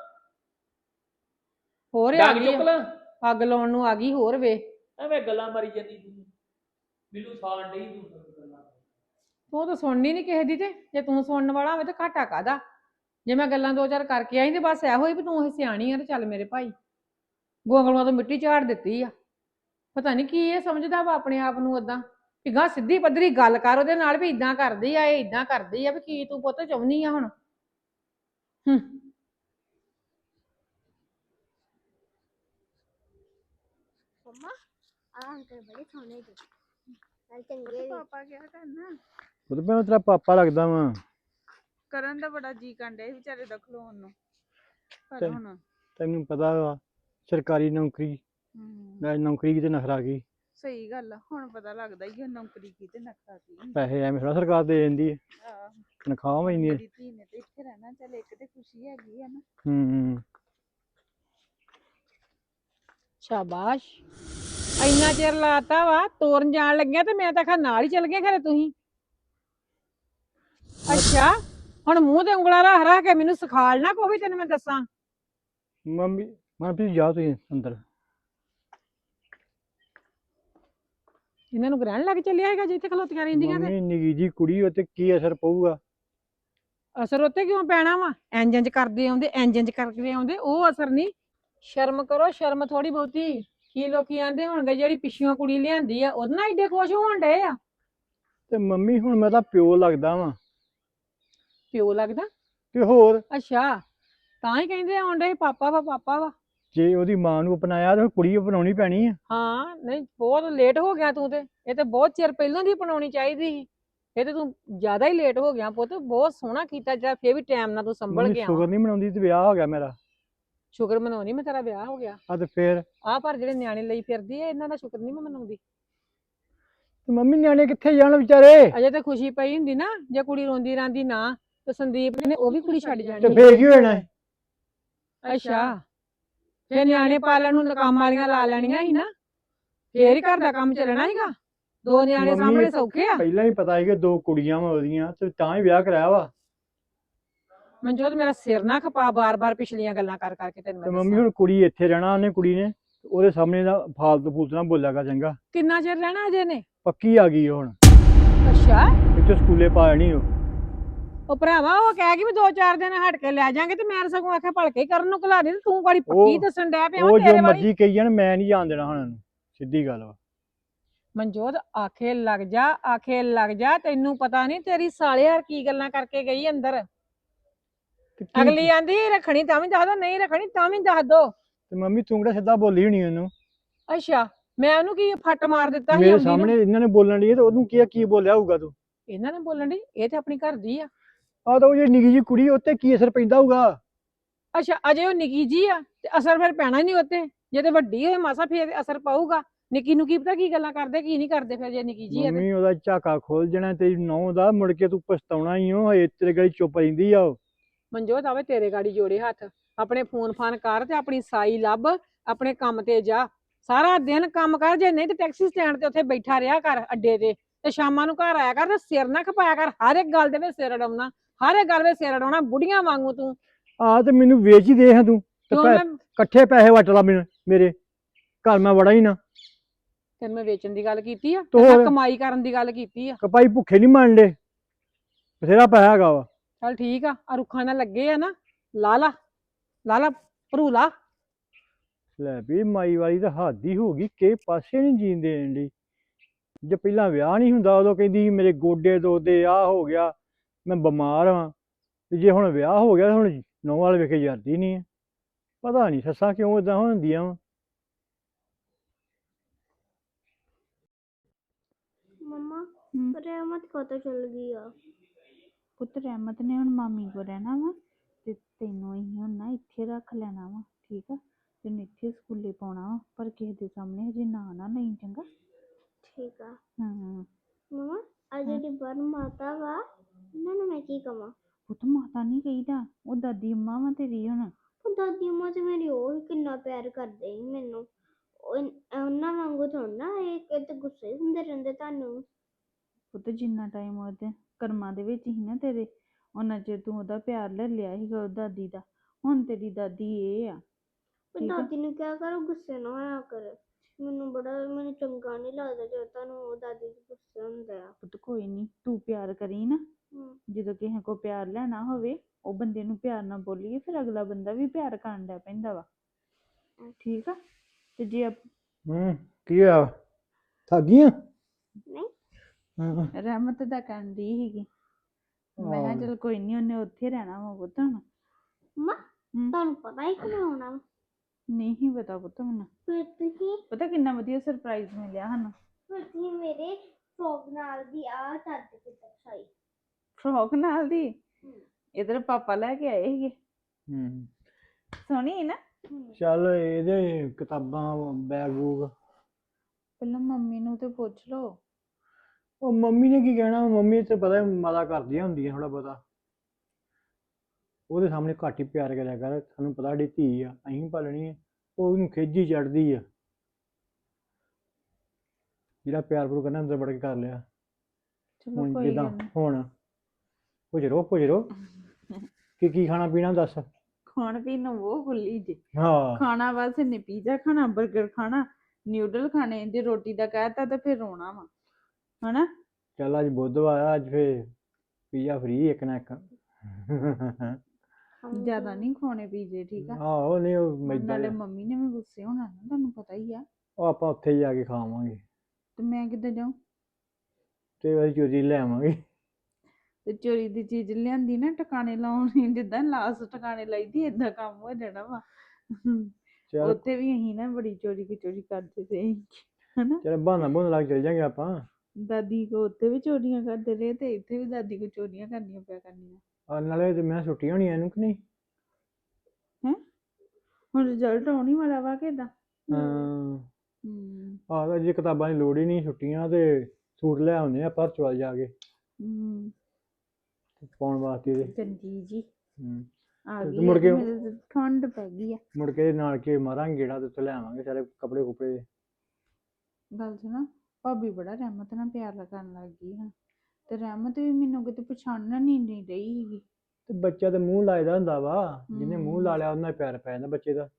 ਹੋਰ ਆ ਡਾਂਗ ਗਈ ਚੁੱਕ ਆ, ਲਾਂ? ਅੱਗ ਲਾਉਣ ਨੂੰ ਆ ਗਈ ਹੋਰ ਵੇ। ਐਵੇਂ ਗੱਲਾਂ ਮਾਰੀ ਜਾਂਦੀ ਤੂੰ, ਮੈਨੂੰ ਸਾਣ ਡਈ ਤੂੰ ਗੱਲਾਂ। ਤੂੰ ਤਾਂ ਸੁਣਨੀ ਨਹੀਂ ਕਿਸੇ ਦੀ, ਤੇ ਜੇ ਤੂੰ ਸੁਣਨ ਵਾਲਾ ਹੋਵੇ ਤਾਂ ਘਾਟਾ ਕਾਹਦਾ? ਜੇ ਮੈਂ ਗੱਲਾਂ ਦੋ ਚਾਰ ਕਰਕੇ ਆਈ ਤੇ ਬਸ ਇਹੋ ਹੀ ਵੀ ਤੂੰ ਇਹ ਸਿਆਣੀ ਆ ਤੇ ਚੱਲ ਮੇਰੇ ਭਾਈ। ਗੋਂਗਲੂਆਂ ਤੋਂ ਮਿੱਟੀ ਝਾੜ ਦਿੱਤੀ ਆ। ਪਤਾ ਨਹੀਂ ਕੀ ਇਹ ਸਮਝਦਾ ਵਾ ਆਪਣੇ ਆਪ ਨੂੰ ਓਦਾਂ ਵੀ ਗਾਂ ਸਿੱਧੀ ਪੱਧਰੀ ਗੱਲ ਕਰ ਉਹਦੇ ਨਾਲ ਵੀ ਇਦਾਂ ਕਰਦੀ ਆ, ਇਹ ਇਦਾਂ ਕਰਦੀ ਆ, ਵੀ ਕੀ ਤੂੰ ਪੁੱਤ ਚਾਹੁੰਦੀ ਆ ਹੁਣ? ਹੂੰ। ਮੰਮਾ ਆ ਅੰਕਲ ਬੜੇ ਸੋਹਣੇ ਜੀ, ਨਾਲ ਚੰਗੇ ਵੀ। ਪਾਪਾ ਕਿਆ ਕਰਨਾ? ਉਹ ਤਾਂ ਮੈਨੂੰ ਤੇਰਾ ਪਾਪਾ ਲੱਗਦਾ ਵਾ। ਕਰਨ ਦਾ ਬੜਾ ਜੀ ਕੰਡੇ ਸੀ ਵਿਚਾਰੇ ਦਾ ਖਲੋਣ ਨੂੰ, ਪਰ ਤੇ- ਹੁਣ ਤੈਨੂੰ ਪਤਾ ਵਾ ਸਰਕਾਰੀ ਨੌਕਰੀ ਹਮ, ਨਾਲ ਨੌਕਰੀ ਕਿਤੇ ਨਖਰਾ ਗਈ। ਸਹੀ ਗੱਲ ਆ, ਹੁਣ ਪਤਾ ਲੱਗਦਾ ਹੀ ਆ ਨੌਕਰੀ ਕੀ ਤੇ ਨਖਰਾ ਕੀ ਹੁੰਦਾ। ਪੈਸੇ ਐਵੇਂ ਥੋੜਾ ਸਰਕਾਰ ਦੇ ਦਿੰਦੀ ਹੈ, ਆਹ, ਤਨਖਾਹ ਵੀ ਇੰਨੀ। ਮੇਰੀ ਧੀ ਨੇ ਤੇ ਇੱਥੇ ਰਹਿਣਾ, ਚੱਲ ਇੱਕ ਤੇ ਖੁਸ਼ੀ ਹੈਗੀ ਆ ਨਾ। ਹੂੰ ਸ਼ਾਬਾਸ਼, ਇੰਨਾ ਚਿਰ ਲਾਤਾ ਵਾ ਤੋਰਨ ਜਾਣ ਲੱਗਿਆ ਤੇ ਮੈਂ ਤਾਂ ਆਖਿਆ ਨਾਲ ਹੀ ਚੱਲ ਗਏ ਖਰੇ ਤੁਸੀਂ। ਅੱਛਾ, ਹੁਣ ਮੂੰਹ ਤੇ ਉਂਗਲਾਂ ਰੱਖ ਰੱਖ ਕੇ ਮੈਨੂੰ ਸਿਖਾਲਣਾ ਕੋਈ ਵੀ ਤੈਨੂੰ ਮੈਂ ਦੱਸਾਂ। ਮੰਮੀ ਮਨਪ੍ਰੀਤ ਜਾ ਤੁਸੀਂ ਅੰਦਰ। ਇਹਨਾਂ ਨੂੰ ਗ੍ਰਹਿਣ ਲੱਗ ਚੱਲਿਆ ਹੈਗਾ ਜਿੱਥੇ ਖਲੋਤੀਆਂ ਰਹਿੰਦੀਆਂ ਤੇ ਮੰਮੀ ਨਿੱਕੀ ਜੀ ਕੁੜੀ ਉੱਤੇ ਕੀ ਅਸਰ ਪਊਗਾ? ਅਸਰ ਉੱਤੇ ਕਿਉਂ ਪੈਣਾ ਵਾ? ਇੰਜ ਇੰਜ ਕਰਦੇ ਆਉਂਦੇ ਇੰਜ ਇੰਜ ਕਰਦੇ ਆਉਂਦੇ, ਉਹ ਅਸਰ ਨਹੀਂ। ਸ਼ਰਮ ਕਰੋ, ਸ਼ਰਮ ਥੋੜੀ ਬਹੁਤੀ। ਕੀ ਲੋਕੀ ਆਂਦੇ ਹੋਣਗੇ ਜਿਹੜੀ ਪਿੱਛੋਂ ਕੁੜੀ ਲਿਆਂਦੀ ਆ ਉਹਦੇ ਨਾਲ ਏਡੇ ਖੁਸ਼ ਹੋਣ ਡਏ ਆ। ਤੇ ਮੰਮੀ ਹੁਣ ਮੈਂ ਤਾਂ ਪਿਓ ਲੱਗਦਾ ਵਾਂ ਪਿਓ ਲੱਗਦਾ? ਤੇ ਹੋਰ ਅੱਛਾ, ਤਾਂ ਹੀ ਕਹਿੰਦੇ ਆਉਣ ਡਏ ਪਾਪਾ ਵਾ ਪਾਪਾ ਵਾ। ਜੇ ਉਹਦੀ ਮਾਂ ਨੂੰ ਅਪਣਾਇਆ ਤੇ ਕੁੜੀ ਅਪਣਾਉਣੀ ਪੈਣੀ ਆ। ਹਾਂ, ਨਹੀਂ ਬਹੁਤ ਲੇਟ ਹੋ ਗਿਆ ਤੂੰ ਤੇ। ਇਹ ਤੇ ਬਹੁਤ ਚਿਰ ਪਹਿਲਾਂ ਦੀ ਅਪਣਾਉਣੀ ਚਾਹੀਦੀ ਸੀ। ਇਹ ਤੇ ਤੂੰ ਜ਼ਿਆਦਾ ਹੀ ਲੇਟ ਹੋ ਗਿਆ ਪੁੱਤ। ਬਹੁਤ ਸੋਹਣਾ ਕੀਤਾ ਜਿਹੜਾ ਫੇਰ ਵੀ ਟਾਈਮ ਨਾਲ ਤੂੰ ਸੰਭਲ ਮੰਮੀ ਗਿਆ ਸ਼ੁਗਰ ਵਾਂ। ਨਹੀਂ ਮਨਾਉਂਦੀ ਤੇ ਵਿਆਹ ਹੋ ਗਿਆ ਮੇਰਾ। ਸ਼ੁਕਰ ਮਨਾਉਣੀ ਮੈਂ ਤੇਰਾ ਵਿਆਹ ਹੋ ਗਿਆ। ਆ ਤੇ ਫੇਰ ਆਹ ਪਰ ਜਿਹੜੇ ਨਿਆਣੇ ਲਈ ਫਿਰਦੀ ਐ ਇਹਨਾਂ ਦਾ ਸ਼ੁਕਰ ਨਹੀਂ ਮੈਂ ਮਨਾਉਂਦੀ। ਤੇ ਮੰਮੀ ਨਿਆਣੇ ਕਿੱਥੇ ਜਾਣ ਵਿਚਾਰੇ? ਅਜੇ ਤੇ ਖੁਸ਼ੀ ਪਈ ਹੁੰਦੀ ਨਾ, ਜੇ ਕੁੜੀ ਰੋਂਦੀ ਰਾਂਦੀ ਨਾ ਤੇ ਸੰਦੀਪ ਨੇ ਉਹ ਵੀ ਕੁੜੀ ਛੱਡ ਤੇ ਜਾਣੀ। ਫੇਰ ਕੀ ਹੋਣਾ ਹੈ? ਅੱਛਾ, ਜੇ ਨਿਆਣੇ ਪਾਲਣ ਨੂੰ ਕੰਮ ਵਾਲੀਆਂ ਲਾ ਲੈਣੀਆਂ ਸੀ ਨਾ, ਫੇਰ ਹੀ ਘਰ ਦਾ ਕੰਮ ਚੱਲਣਾ ਸੀਗਾ। ਦੋ ਨਿਆਣੇ ਮੰਮੀ, ਸਾਹਮਣੇ ਸੌਖੇ ਆ। ਪਹਿਲਾਂ ਹੀ ਪਤਾ ਸੀ ਕਿ ਦੋ ਕੁੜੀਆਂ ਵਾ ਉਹਦੀਆਂ ਤੇ ਤਾਂ ਹੀ ਵਿਆਹ ਕਰਾਇਆ ਵਾ। ਮਨਜੋਤ ਮੇਰਾ ਸਿਰ ਨਾ ਖਪਾ ਬਾਰ-ਬਾਰ ਪਿਛਲੀਆਂ ਗੱਲਾਂ ਕਰ ਕਰਕੇ ਤੈਨੂੰ ਤੇ ਮੈਂ ਮੰਮੀ ਦੱਸਾਂ। ਹੁਣ ਕੁੜੀ ਇੱਥੇ ਰਹਿਣਾ, ਉਹਨੇ ਕੁੜੀ ਨੇ ਉਹਦੇ ਸਾਹਮਣੇ ਦਾ ਫਾਲਤੂ ਫੂਲਤੂ ਨਾ ਬੋਲਿਆਗਾ ਚੰਗਾ। ਕਿੰਨਾ ਚਿਰ ਰਹਿਣਾ ਅਜੇ ਨੇ? ਪੱਕੀ ਆ ਗਈ ਉਹ ਹੁਣ, ਅੱਛਾ, ਇੱਥੇ ਸਕੂਲੇ ਪਾ ਜਾਣੀ ਉਹ। ਉਹ ਭਰਾਵਾ ਉਹ ਕਹਿ ਗਈ ਵੀ ਦੋ ਚਾਰ ਦਿਨ ਹਟ ਕੇ ਲੈ ਜਾਾਂਗੇ ਤੇ ਮੈਂ ਸਗੋਂ ਆਖਿਆ ਭਲਕੇ ਕਰਨ ਨੂੰ ਘਲਾ ਦੇ ਤੇ ਤੂੰ ਬੜੀ ਪੱਕੀ ਉਹ- ਦੱਸਣ ਡੈ ਪਿਆ ਵਾਂ ਉਹ ਜੋ ਤੇਰੇ ਵਾਲੀ। ਮਰਜ਼ੀ ਕਹੀ ਜਾਣ, ਮੈਂ ਨਹੀਂ ਜਾਣ ਦੇਣਾ ਹੁਣ ਉਹਨੂੰ, ਸਿੱਧੀ ਗੱਲ ਵਾ। ਮਨਜੋਤ ਆਖੇ ਲੱਗ ਜਾ, ਆਖੇ ਲੱਗ ਜਾ। ਤੈਨੂੰ ਪਤਾ ਨਹੀਂ ਤੇਰੀ ਸਾਲੇ ਯਾਰ ਕੀ ਗੱਲਾਂ ਕਰਕੇ ਗਈ ਅੰਦਰ। ਤੇ ਕੀ- ਅਗਲੀ ਆਂਦੀ ਰੱਖਣੀ ਤਾਂ ਵੀ ਦੱਸ ਦੋ, ਨਹੀਂ ਰੱਖਣੀ ਤਾਂ ਵੀ ਦੱਸ ਦੋ। ਤੇ ਮੰਮੀ ਤੂੰ ਕਿਹੜਾ ਸਿੱਧਾ ਬੋਲੀ ਹੋਣੀ ਉਹਨੂੰ? ਅੱਛਾ, ਮੈਂ ਉਹਨੂੰ ਕੀ ਫੱਟ ਮਾਰ ਦਿੱਤਾ ਸੀ ਮੇਰੇ ਆਉਂਦੀ ਨੂੰ? ਸਾਹਮਣੇ ਇਹਨਾਂ ਨੇ ਬੋਲਣ ਦੀ ਤੇ ਉਹਨੂੰ ਕੀ ਕੀ ਬੋਲਿਆ ਹੋਊਗਾ ਤੂੰ? ਇਹਨਾਂ ਨੇ ਬੋਲਣ ਦੀ, ਇਹ ਤੇ ਆਪਣੀ ਘਰ ਦੀ ਆ। ਆ ਤਾਂ ਉਹ ਜਿਹੜੀ ਨਿੱਕੀ ਜੀ ਕੁੜੀ ਉੱਤੇ ਕੀ ਅਸਰ ਪੈਂਦਾ ਹੋਊਗਾ? ਅੱਛਾ, ਅਜੇ ਉਹ ਨਿੱਕੀ ਜੀ ਆ ਤੇ ਅਸਰ ਫਿਰ ਪੈਣਾ ਹੀ ਨਹੀਂ ਉੱਤੇ। ਜੇ ਤੇ ਵੱਡੀ ਹੋਏ ਮਾਸਾ ਫੇਰ ਅਸਰ ਪਊਗਾ। ਨਿੱਕੀ ਨੂੰ ਕੀ ਪਤਾ ਕੀ ਗੱਲਾਂ ਕਰਦੇ ਕੀ ਨਹੀਂ ਕਰਦੇ ਫਿਰ ਜੇ ਨਿੱਕੀ ਜੀ ਆ ਤੇ। ਮੰਮੀ ਉਹਦਾ ਝਾਕਾ ਖੋਲ ਜਾਣਾ ਤੇਰੀ ਨਹੁੰ ਦਾ, ਮੁੜ ਕੇ ਤੂੰ ਪਛਤਾਉਣਾ ਹੀ ਓ। ਹਜੇ ਤੇਰੇ ਗਲੀ ਚੁੱਪ ਰਹਿੰਦੀ ਆ ਉਹ। ਮਨਜੋਤ ਆਵੇ ਤੇਰੇ ਗਾੜੀ ਜੋੜੇ ਹੱਥ। ਆਪਣੇ ਫੋਨ ਫਾਨ ਕਰ ਤੇ ਆਪਣੀ ਸਾਈ ਲੱਭ, ਆਪਣੇ ਕੰਮ ਤੇ ਜਾ। ਸਾਰਾ ਦਿਨ ਕੰਮ ਕਰ, ਜੇ ਨਹੀਂ ਤੇ ਟੈਕਸੀ ਸਟੈਂਡ ਤੇ ਉੱਥੇ ਬੈਠਾ ਰਿਹਾ ਕਰ ਅੱਡੇ ਤੇ ਤੇ ਸ਼ਾਮਾਂ ਨੂੰ ਘਰ ਆਇਆ ਕਰ ਤੇ ਸਿਰ ਨਾ ਖਪਾਇਆ ਕਰ। ਹਰ ਇੱਕ ਗੱਲ ਦੇ ਵਿੱਚ ਸਿਰ ਅਡਾਉਣਾ, ਹਰ ਇੱਕ ਗੱਲ ਵਿੱਚ ਸਿਰ ਅਡਾਉਣਾ, ਬੁੜੀਆਂ ਵਾਂਗੂ ਤੂੰ। ਆ ਤੇ ਮੈਨੂੰ ਵੇਚ ਹੀ ਦੇ ਹਾਂ ਤੂੰ ਤੇ ਕਿਉਂ ਪੈ- ਮੈਂ ਇਕੱਠੇ ਪੈਸੇ ਵਟ ਲਾ ਮੈਨੂੰ, ਮੇਰੇ ਘਰ ਮੈਂ ਵੜਾ ਹੀ ਨਾ। ਤੈਨੂੰ ਮੈਂ ਵੇਚਣ ਦੀ ਗੱਲ ਕੀਤੀ ਆ, ਤੇ ਤੇ ਮੈਂ ਹੋਰ? ਕਮਾਈ ਕਰਨ ਦੀ ਗੱਲ ਕੀਤੀ ਆ। ਕਪਾਈ ਭੁੱਖੇ ਨਹੀਂ ਮੰਨਦੇ, ਬਥੇਰਾ ਪੈਸਾ ਹੈਗਾ ਵਾ। ਚੱਲ ਠੀਕ ਆ, ਆ ਰੁੱਖਾਂ ਨਾਲ ਲੱਗੇ ਆ ਨਾ, ਲਾ ਲਾ ਲਾ ਲਾ ਭਰੂ ਲਾ। ਲੈ ਵੀ ਮਾਈ ਵਾਲੀ ਤਾਂ ਹੱਦ ਹੀ ਹੋ ਗਈ, ਕਿਸੇ ਪਾਸੇ ਨਹੀਂ ਜੀਣ ਦੇਣ ਡਈ। ਜੇ ਪਹਿਲਾਂ ਵਿਆਹ ਨਹੀਂ ਹੁੰਦਾ ਉਦੋਂ ਕਹਿੰਦੀ ਸੀ ਮੇਰੇ ਗੋਡੇ ਦੁਖਦੇ, ਆਹ ਹੋ ਗਿਆ, ਮੈਂ ਬਿਮਾਰ ਹਾਂ। ਤੇ ਜੇ ਹੁਣ ਵਿਆਹ ਹੋ ਗਿਆ ਹੁਣ ਨੌਂ ਵਾਲ ਵੇਖੇ ਜਾਂਦੀ ਨਹੀਂ ਹੈ। ਪਤਾ ਨਹੀਂ ਸੱਸਾਂ ਕਿਉਂ ਇਦਾਂ ਹੁੰਦੀਆਂ ਵਾ। ਮੰਮਾ ਹਮ, ਰਹਿਮਤ ਕਦੋਂ ਚਲ ਗਈ ਆ? ਪੁੱਤ ਰਹਿਮਤ ਨੇ ਹੁਣ ਮਾਮੀ ਕੋ ਰਹਿਣਾ ਵਾ ਤੇ ਤੈਨੂੰ ਅਸੀਂ ਹੁਣ ਨਾ ਇੱਥੇ ਰੱਖ ਲੈਣਾ ਵਾ, ਠੀਕ ਆ? ਤੈਨੂੰ ਇੱਥੇ ਸਕੂਲੇ ਪਾਉਣਾ ਵਾ, ਪਰ ਕਿਸੇ ਦੇ ਸਾਹਮਣੇ ਹਜੇ ਨਾਂ ਨਾ ਲਈ, ਚੰਗਾ? ਠੀਕ ਆ ਹਾਂ ਮੰਮਾ। ਆ ਜਿਹੜੀ ਬਰ ਮਾਤਾ ਵਾ ਇਹਨਾਂ ਨੂੰ ਮੈਂ ਕੀ ਕਵਾਂ? ਪੁੱਤ ਮਾਤਾ ਨਹੀਂ ਕਹੀਦਾ, ਉਹ ਦਾਦੀ ਅੰਮਾ ਵਾ ਤੇਰੀ ਹੁਣ। ਉਹ ਦਾਦੀ ਅੰਮਾ ਤੇ ਮੇਰੀ ਉਹ ਵੀ ਕਿੰਨਾ ਪਿਆਰ ਕਰਦੇ ਸੀ ਮੈਨੂੰ। ਉਹ- ਉਹਨਾਂ ਵਾਂਗੂ ਥੋੜਾ ਨਾ ਇਹ ਇਹ ਤੇ ਗੁੱਸੇ ਹੁੰਦੇ ਰਹਿੰਦੇ ਤੁਹਾਨੂੰ। ਪੁੱਤ ਜਿੰਨਾ ਟਾਈਮ ਉਹਦੇ ਕਰਮਾਂ ਦੇ ਵਿੱਚ ਹੀ ਨਾ ਤੇਰੇ, ਉਹਨਾਂ ਚਿਰ ਤੂੰ ਉਹਦਾ ਪਿਆਰ ਲੈ ਲਿਆ ਸੀਗਾ ਉਹ ਦਾਦੀ ਦਾ। ਹੁਣ ਤੇਰੀ ਦਾਦੀ ਇਹ ਆ, ਪਰ ਠੀਕ ਆ? ਦਾਦੀ ਨੂੰ ਕਿਹਾ ਕਰੋ ਗੁੱਸੇ ਨਾ ਹੋਇਆ ਕਰ। ਮੈਨੂੰ ਬੜਾ ਮੈਨੂੰ ਚੰਗਾ ਨਹੀਂ ਲੱਗਦਾ ਜਦੋਂ ਤੁਹਾਨੂੰ ਉਹ ਦਾਦੀ ਜੀ ਗੁੱਸੇ ਹੁੰਦੇ ਆ। ਪੁੱਤ ਕੋਈ ਨਹੀਂ, ਤੂੰ ਪਿਆਰ ਕਰੀ ਨਾ। ਹਮ, ਜਦੋਂ ਕਿਸੇ ਕੋ ਪਿਆਰ ਲੈਣਾ ਹੋਵੇ ਉਹ ਬੰਦੇ ਨੂੰ ਪਿਆਰ ਨਾਲ ਬੋਲੀਏ, ਫਿਰ ਅਗਲਾ ਬੰਦਾ ਵੀ ਪਿਆਰ ਕਰਨ ਲੱਗ ਪੈਂਦਾ ਵਾ, ਠੀਕ ਆ? ਤੇ ਜੇ ਆਪ- ਹੂੰ ਕੀ ਹੋਇਆ, ਥੱਕ ਗਈ ਆਂ? ਨਹੀਂ ਹਾਂ ਰਹਿਮਤ ਦਾ ਕਰਨ ਦੀ ਸੀਗੀ, ਮੈਂ ਕਿਹਾ ਆਹੋ। ਚਲ ਕੋਈ ਨਹੀਂ, ਉਹਨੇ ਉੱਥੇ ਰਹਿਣਾ ਵਾ ਪੁੱਤ ਹੁਣ। ਮੰਮਾ ਹਮ, ਤੁਹਾਨੂੰ ਪਤਾ ਹੀ ਕਿਵੇਂ ਆਉਣਾ ਵਾ? ਨਹੀਂ ਸੀ ਪਤਾ ਪੁੱਤ ਮੈਨੂੰ। ਫਿਰ ਤੁਸੀਂ ਪਤਾ ਕਿੰਨਾ ਵਧੀਆ ਸਰਪ੍ਰਾਈਜ਼ ਮਿਲਿਆ ਸਾਨੂੰ। ਫਿਰ ਤੁਸੀਂ ਮੇਰੇ ਫਰੋਕ ਨਾਲ ਦੀ ਆ ਚੱਦ ਕਿਤੇ ਸਾਈ ਫਰੋਕ ਨਾਲ ਦੀ ਇਧਰ ਪਾਪਾ ਲੈ ਕੇ ਆਏ ਸੀਗੇ ਹੂੰ ਸੋਹਣੀ ਹੈ ਨਾ ਚੱਲ ਇਹਦੇ ਕਿਤਾਬਾਂ ਬੈਗ ਬੂਗ ਪਹਿਲਾਂ ਮੰਮੀ ਨੂੰ ਤੇ ਪੁੱਛ ਲਓ ਉਹ ਮੰਮੀ ਨੇ ਕੀ ਕਹਿਣਾ ਮੰਮੀ ਤੇ ਪਤਾ ਮਾਤਾ ਕਰਦੀਆਂ ਹੁੰਦੀਆਂ ਥੋੜਾ ਬਹੁਤਾ ਉਹਦੇ ਸਾਹਮਣੇ ਘੱਟ ਹੀ ਪਿਆਰ ਕਰਿਆ ਕਰ ਸਾਨੂੰ ਪਤਾ ਸਾਡੀ ਧੀ ਆ ਅਸੀਂ ਪਾਲਣੀ ਆ ਉਹ ਉਹਨੂੰ ਖਿੱਚੀ ਚੜਦੀ ਆ ਜਿਹੜਾ ਪਿਆਰ ਪੂਰ ਕਰਨਾ ਅੰਦਰ ਵੜ ਕੇ ਕਰ ਲਿਆ ਚਲੋ ਹੁਣ ਕੋਈ ਜਿੱਦਾਂ ਗੱਲ ਨੀ। ਹੁਣ ਪੁਜਰੋ ਪੁਜਰੋ ਕੀ ਕੀ ਖਾਣਾ ਪੀਣਾ ਦੱਸ ਖਾਣ ਪੀਣ ਨੂੰ ਉਹ ਖੁੱਲੀ ਜੀ ਹਾਂ ਖਾਣਾ ਬਸ ਇਹਨੇ ਪੀਜ਼ਾ ਖਾਣਾ 버ਗਰ ਖਾਣਾ ਨਿਊਡਲ ਖਾਣੇ ਜੇ ਰੋਟੀ ਦਾ ਕਹਿਤਾ ਤਾਂ ਫਿਰ ਰੋਣਾ ਵਾ ਹਨਾ ਚੱਲ ਅੱਜ ਬੁੱਧਵਾਰ ਆ ਅੱਜ ਫੇ ਪੀਜ਼ਾ ਫ੍ਰੀ ਇੱਕ ਨਾ ਇੱਕ ਜ਼ਿਆਦਾ ਨਹੀਂ ਖਾਣੇ ਪੀਜ਼ੇ ਠੀਕ ਆ ਆਹੋ ਨਹੀਂ ਉਹ ਹੁਣ ਮੈਦਾ ਨਾਲੇ ਜਿਹਾ। ਮੰਮੀ ਨੇ ਵੀ ਗੁੱਸੇ ਹੋਣਾ ਨਾ ਤੁਹਾਨੂੰ ਪਤਾ ਹੀ ਆ ਉਹ ਆਪਾਂ ਉੱਥੇ ਜਾ ਕੇ ਖਾਵਾਂਗੇ ਤੇ ਮੈਂ ਕਿੱਦਾਂ ਜਾਊਂ ਤੇ ਅਸੀਂ ਚੋਰੀ ਲੈ ਆਵਾਂਗੇ ਤੇ ਚੋਰੀ ਦੀ ਚੀਜ਼ ਲਿਆਂਦੀ ਨਾ ਟਿਕਾਣੇ ਲਾਉਣੀ ਜਿੱਦਾਂ ਲਾਸ ਟਿਕਾਣੇ ਲਾਈਦੀ ਏਦਾਂ ਕੰਮ ਹੋ ਜਾਣਾ ਵਾ ਚੱਲ ਉੱਥੇ ਵੀ ਅਸੀਂ ਨਾ ਬੜੀ ਚੋਰੀ ਕੀ ਚੋਰੀ ਕਰਦੇ ਸੀ ਹਨਾ ਚੱਲ ਬਹਾਨਾ ਬਹਾਨਾ ਲਾ ਕੇ ਚੱਲ ਜਾਂਗੇ ਆਪਾਂ ਦਾਦੀ ਕੋ ਉੱਥੇ ਵੀ ਚੋਰੀਆਂ ਕਰਦੇ ਰਹੇ ਤੇ ਇੱਥੇ ਵੀ ਦਾਦੀ ਕੋ ਚੋਰੀਆਂ ਕਰਨੀਆਂ ਪਿਆ ਕਰਨੀਆਂ ਆ ਨਾਲੇ ਤੇ ਮੈਂ ਛੁੱਟੀ ਹੋਣੀ ਇਹਨੂੰ ਕਿ ਨਹੀਂ ਹੈ ਹੁਣ ਰਿਜ਼ਲਟ ਆਉਣੀ ਵਾਲਾ ਵਾ ਕਿਦਾਂ ਹਾਂ ਹੂੰ ਆਹ ਜੇ ਕਿਤਾਬਾਂ ਦੀ ਲੋੜ ਹੀ ਨਹੀਂ ਛੁੱਟੀਆਂ ਤੇ ਸੂਟ ਲੈ ਆਉਂਦੇ ਆ ਪਰਚ ਵੱਲ ਜਾ ਕੇ ਹੂੰ ਪਾਉਣ ਵਾਸਤੇ ਇਹਦੇ ਚੰਗੀ ਜੀ ਹੂੰ ਆ ਤੇ ਗਈ ਮੁੜ ਆ ਤੇ ਕੇ- ਮੇਰੇ ਤੇ ਠੰਡ ਪੈ ਗਈ ਆ ਮੁੜ ਕੇ ਨਾਲ ਕੇ ਮਾਰਾਂਗੇ ਗੇੜਾ ਤੇ ਉੱਥੇ ਲੈ ਆਵਾਂਗੇ ਸਾਰੇ ਕੱਪੜੇ ਕੁਪੜੇ ਗੱਲ ਸੁਣਾ ਭਾਬੀ ਬੜਾ ਰਹਿਮਤ ਨਾਲ ਪਿਆਰ ਕਰਨ ਲੱਗ ਗਈ ਹਾਂ ਤੇ ਰਹਿਮਤ ਵੀ ਮੈਨੂੰ ਕਿਤੇ ਪਛਾਣਨ ਹੀ ਨਹੀਂ ਰਹੀ ਸੀਗੀ ਤੇ ਬੱਚਾ ਤੇ ਮੂੰਹ ਲਾਇਦਾ ਹੁੰਦਾ ਵਾ ਜਿਹਨੇ ਮੂੰਹ ਲਾ ਹਮ। ਲਿਆ ਉਹਨਾਂ ਪਿਆਰ ਪੈ ਜਾਂਦਾ ਬੱਚੇ ਦਾ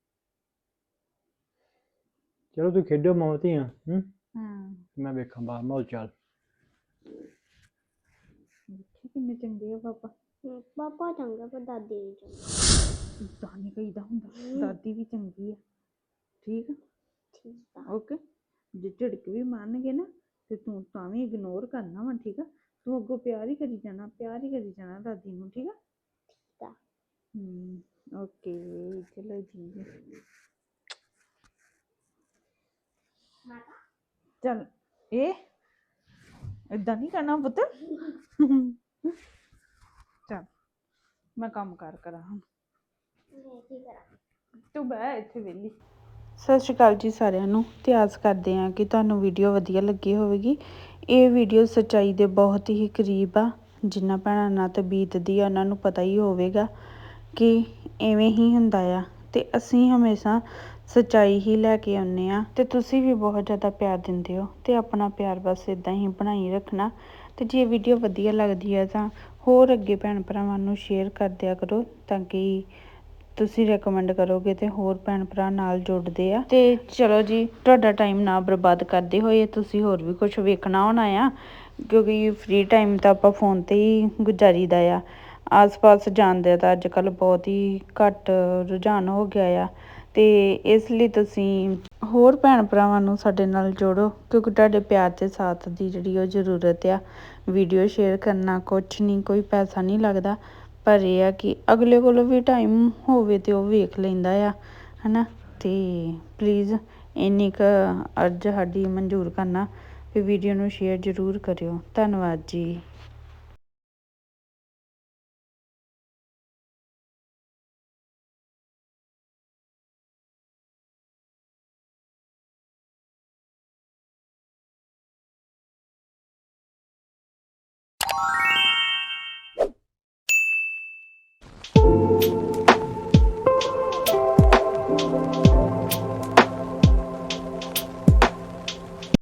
ਚਲੋ ਤੂੰ ਖੇਡੋ ਮੌਤੀਆਂ ਹੂੰ ਹਾਂ ਮੈਂ ਵੇਖਾਂ ਬਾਹਰ ਮਾਹੌਲ ਚਾਲ ਦੇਖੀ ਕਿੰਨੇ ਚੰਗੇ ਆ ਪਾਪਾ ਹਮ, ਪਾਪਾ ਚੰਗਾ ਪਰ ਦਾਦੀ ਨਹੀਂ ਚੰਗੀ ਏਦਾਂ ਨੀ ਕਹੀਦਾ ਹੁੰਦਾ ਦਾਦੀ ਵੀ ਚੰਗੀ ਆ ਠੀਕ ਆ ਠੀਕ ਆ ਓਕੇ ਜੇ ਝਿੜਕ ਵੀ ਮਾਰਨਗੇ ਨਾ ਤੇ ਤੂੰ ਤਾਂ ਵੀ ਇਗਨੋਰ ਕਰਨਾ ਵਾ ਠੀਕ ਆ ਤੂੰ ਅੱਗੋਂ ਪਿਆਰ ਹੀ ਕਰੀ ਜਾਣਾ ਪਿਆਰ ਹੀ ਕਰੀ ਜਾਣਾ ਦਾਦੀ ਨੂੰ ਠੀਕ ਆ ਠੀਕ ਆ ਹਮ ਓਕੇ ਚਲੋ ਜੀ ਚੱਲ ਇਹ ਏਦਾਂ ਨਹੀਂ ਕਰਨਾ ਪੁੱਤ ਚੱਲ ਮੈਂ ਕੰਮ ਕਾਰ ਕਰਾਂ ਹੁਣ ਮੈਂ ਕੀ ਕਰਾਂ ਤੂੰ ਬਹਿ ਇੱਥੇ ਵਿਹਲੀ ਸਤਿ ਸ਼੍ਰੀ ਅਕਾਲ ਜੀ ਸਾਰਿਆਂ ਨੂੰ ਤੇ ਆਸ ਕਰਦੇ ਹਾਂ ਕਿ ਤੁਹਾਨੂੰ ਵੀਡੀਓ ਵਧੀਆ ਲੱਗੀ ਹੋਵੇਗੀ ਇਹ ਵੀਡੀਓ ਸੱਚਾਈ ਦੇ ਬਹੁਤ ਹੀ ਕਰੀਬ ਆ ਜਿਨ੍ਹਾਂ ਭੈਣਾਂ ਨਾਲ ਤੇ ਬੀਤਦੀ ਆ ਉਹਨਾਂ ਨੂੰ ਪਤਾ ਹੀ ਹੋਵੇਗਾ ਕਿ ਐਵੇਂ ਹੀ ਹੁੰਦਾ ਆ ਤੇ ਅਸੀਂ ਹਮੇਸ਼ਾ ਸੱਚਾਈ ਹੀ ਲੈ ਕੇ ਆਉਂਦੇ ਆ ਤੇ ਤੁਸੀਂ ਵੀ ਬਹੁਤ ਜ਼ਿਆਦਾ ਪਿਆਰ ਦਿੰਦੇ ਹੋ ਤੇ ਆਪਣਾ ਪਿਆਰ ਬਸ ਇਦਾਂ ਹੀ ਬਣਾਈ ਰੱਖਣਾ ਤੇ ਜੇ ਵੀਡੀਓ ਵਧੀਆ ਲੱਗਦੀ ਹੈ ਤਾਂ ਹੋਰ ਅੱਗੇ ਭੈਣ ਭਰਾਵਾਂ ਨੂੰ ਸ਼ੇਅਰ ਕਰ ਦਿਆ ਕਰੋ ਤਾਂ ਕਿ ਤੁਸੀਂ ਰეკਮੈਂਡ ਕਰੋਗੇ ਤੇ ਹੋਰ ਭੈਣ ਭਰਾ ਨਾਲ ਜੁੜਦੇ ਆ ਤੇ ਚਲੋ ਜੀ ਤੁਹਾਡਾ ਟਾਈਮ ਨਾ ਬਰਬਾਦ ਕਰਦੇ ਹੋਏ ਤੁਸੀਂ ਹੋਰ ਵੀ ਕੁਝ ਵੇਖਣਾ ਹੋਣਾ ਆ ਕਿਉਂਕਿ ਫ੍ਰੀ ਟਾਈਮ ਤਾਂ ਆਪਾਂ ਫੋਨ ਤੇ ਹੀ ਗੁਜ਼ਾਰੀਦਾ ਆ ਆਸ-ਪਾਸ ਜਾਣਦੇ ਤਾਂ ਅੱਜ ਕੱਲ੍ਹ ਬਹੁਤ ਹੀ ਘੱਟ ਰੁਝਾਨ ਹੋ ਗਿਆ ਆ ਤੇ ਇਸ ਲਈ ਤੁਸੀਂ ਹੋਰ ਭੈਣ ਭਰਾਵਾਂ ਨੂੰ ਸਾਡੇ ਨਾਲ ਜੋੜੋ ਕਿਉਂਕਿ ਤੁਹਾਡੇ ਪਿਆਰ ਤੇ ਸਾਥ ਦੀ ਜਿਹੜੀ ਉਹ ਜ਼ਰੂਰਤ ਆ ਵੀਡੀਓ ਸ਼ੇਅਰ ਕਰਨਾ ਕੁਛ ਨਹੀਂ ਕੋਈ ਪੈਸਾ ਨਹੀਂ ਲੱਗਦਾ ਪਰ ਇਹ ਆ ਕਿ ਅਗਲੇ ਕੋਲੋਂ ਵੀ ਟਾਈਮ ਹੋਵੇ ਤੇ ਉਹ ਵੇਖ ਲੈਂਦਾ ਆ ਹਨਾ ਤੇ ਪਲੀਜ਼ ਇੰਨੀ ਕੁ ਅਰਜ਼ ਸਾਡੀ ਮਨਜ਼ੂਰ ਕਰਨਾ ਵੀ ਵੀਡੀਓ ਨੂੰ ਸ਼ੇਅਰ ਜ਼ਰੂਰ ਕਰਿਓ ਧੰਨਵਾਦ ਜੀ।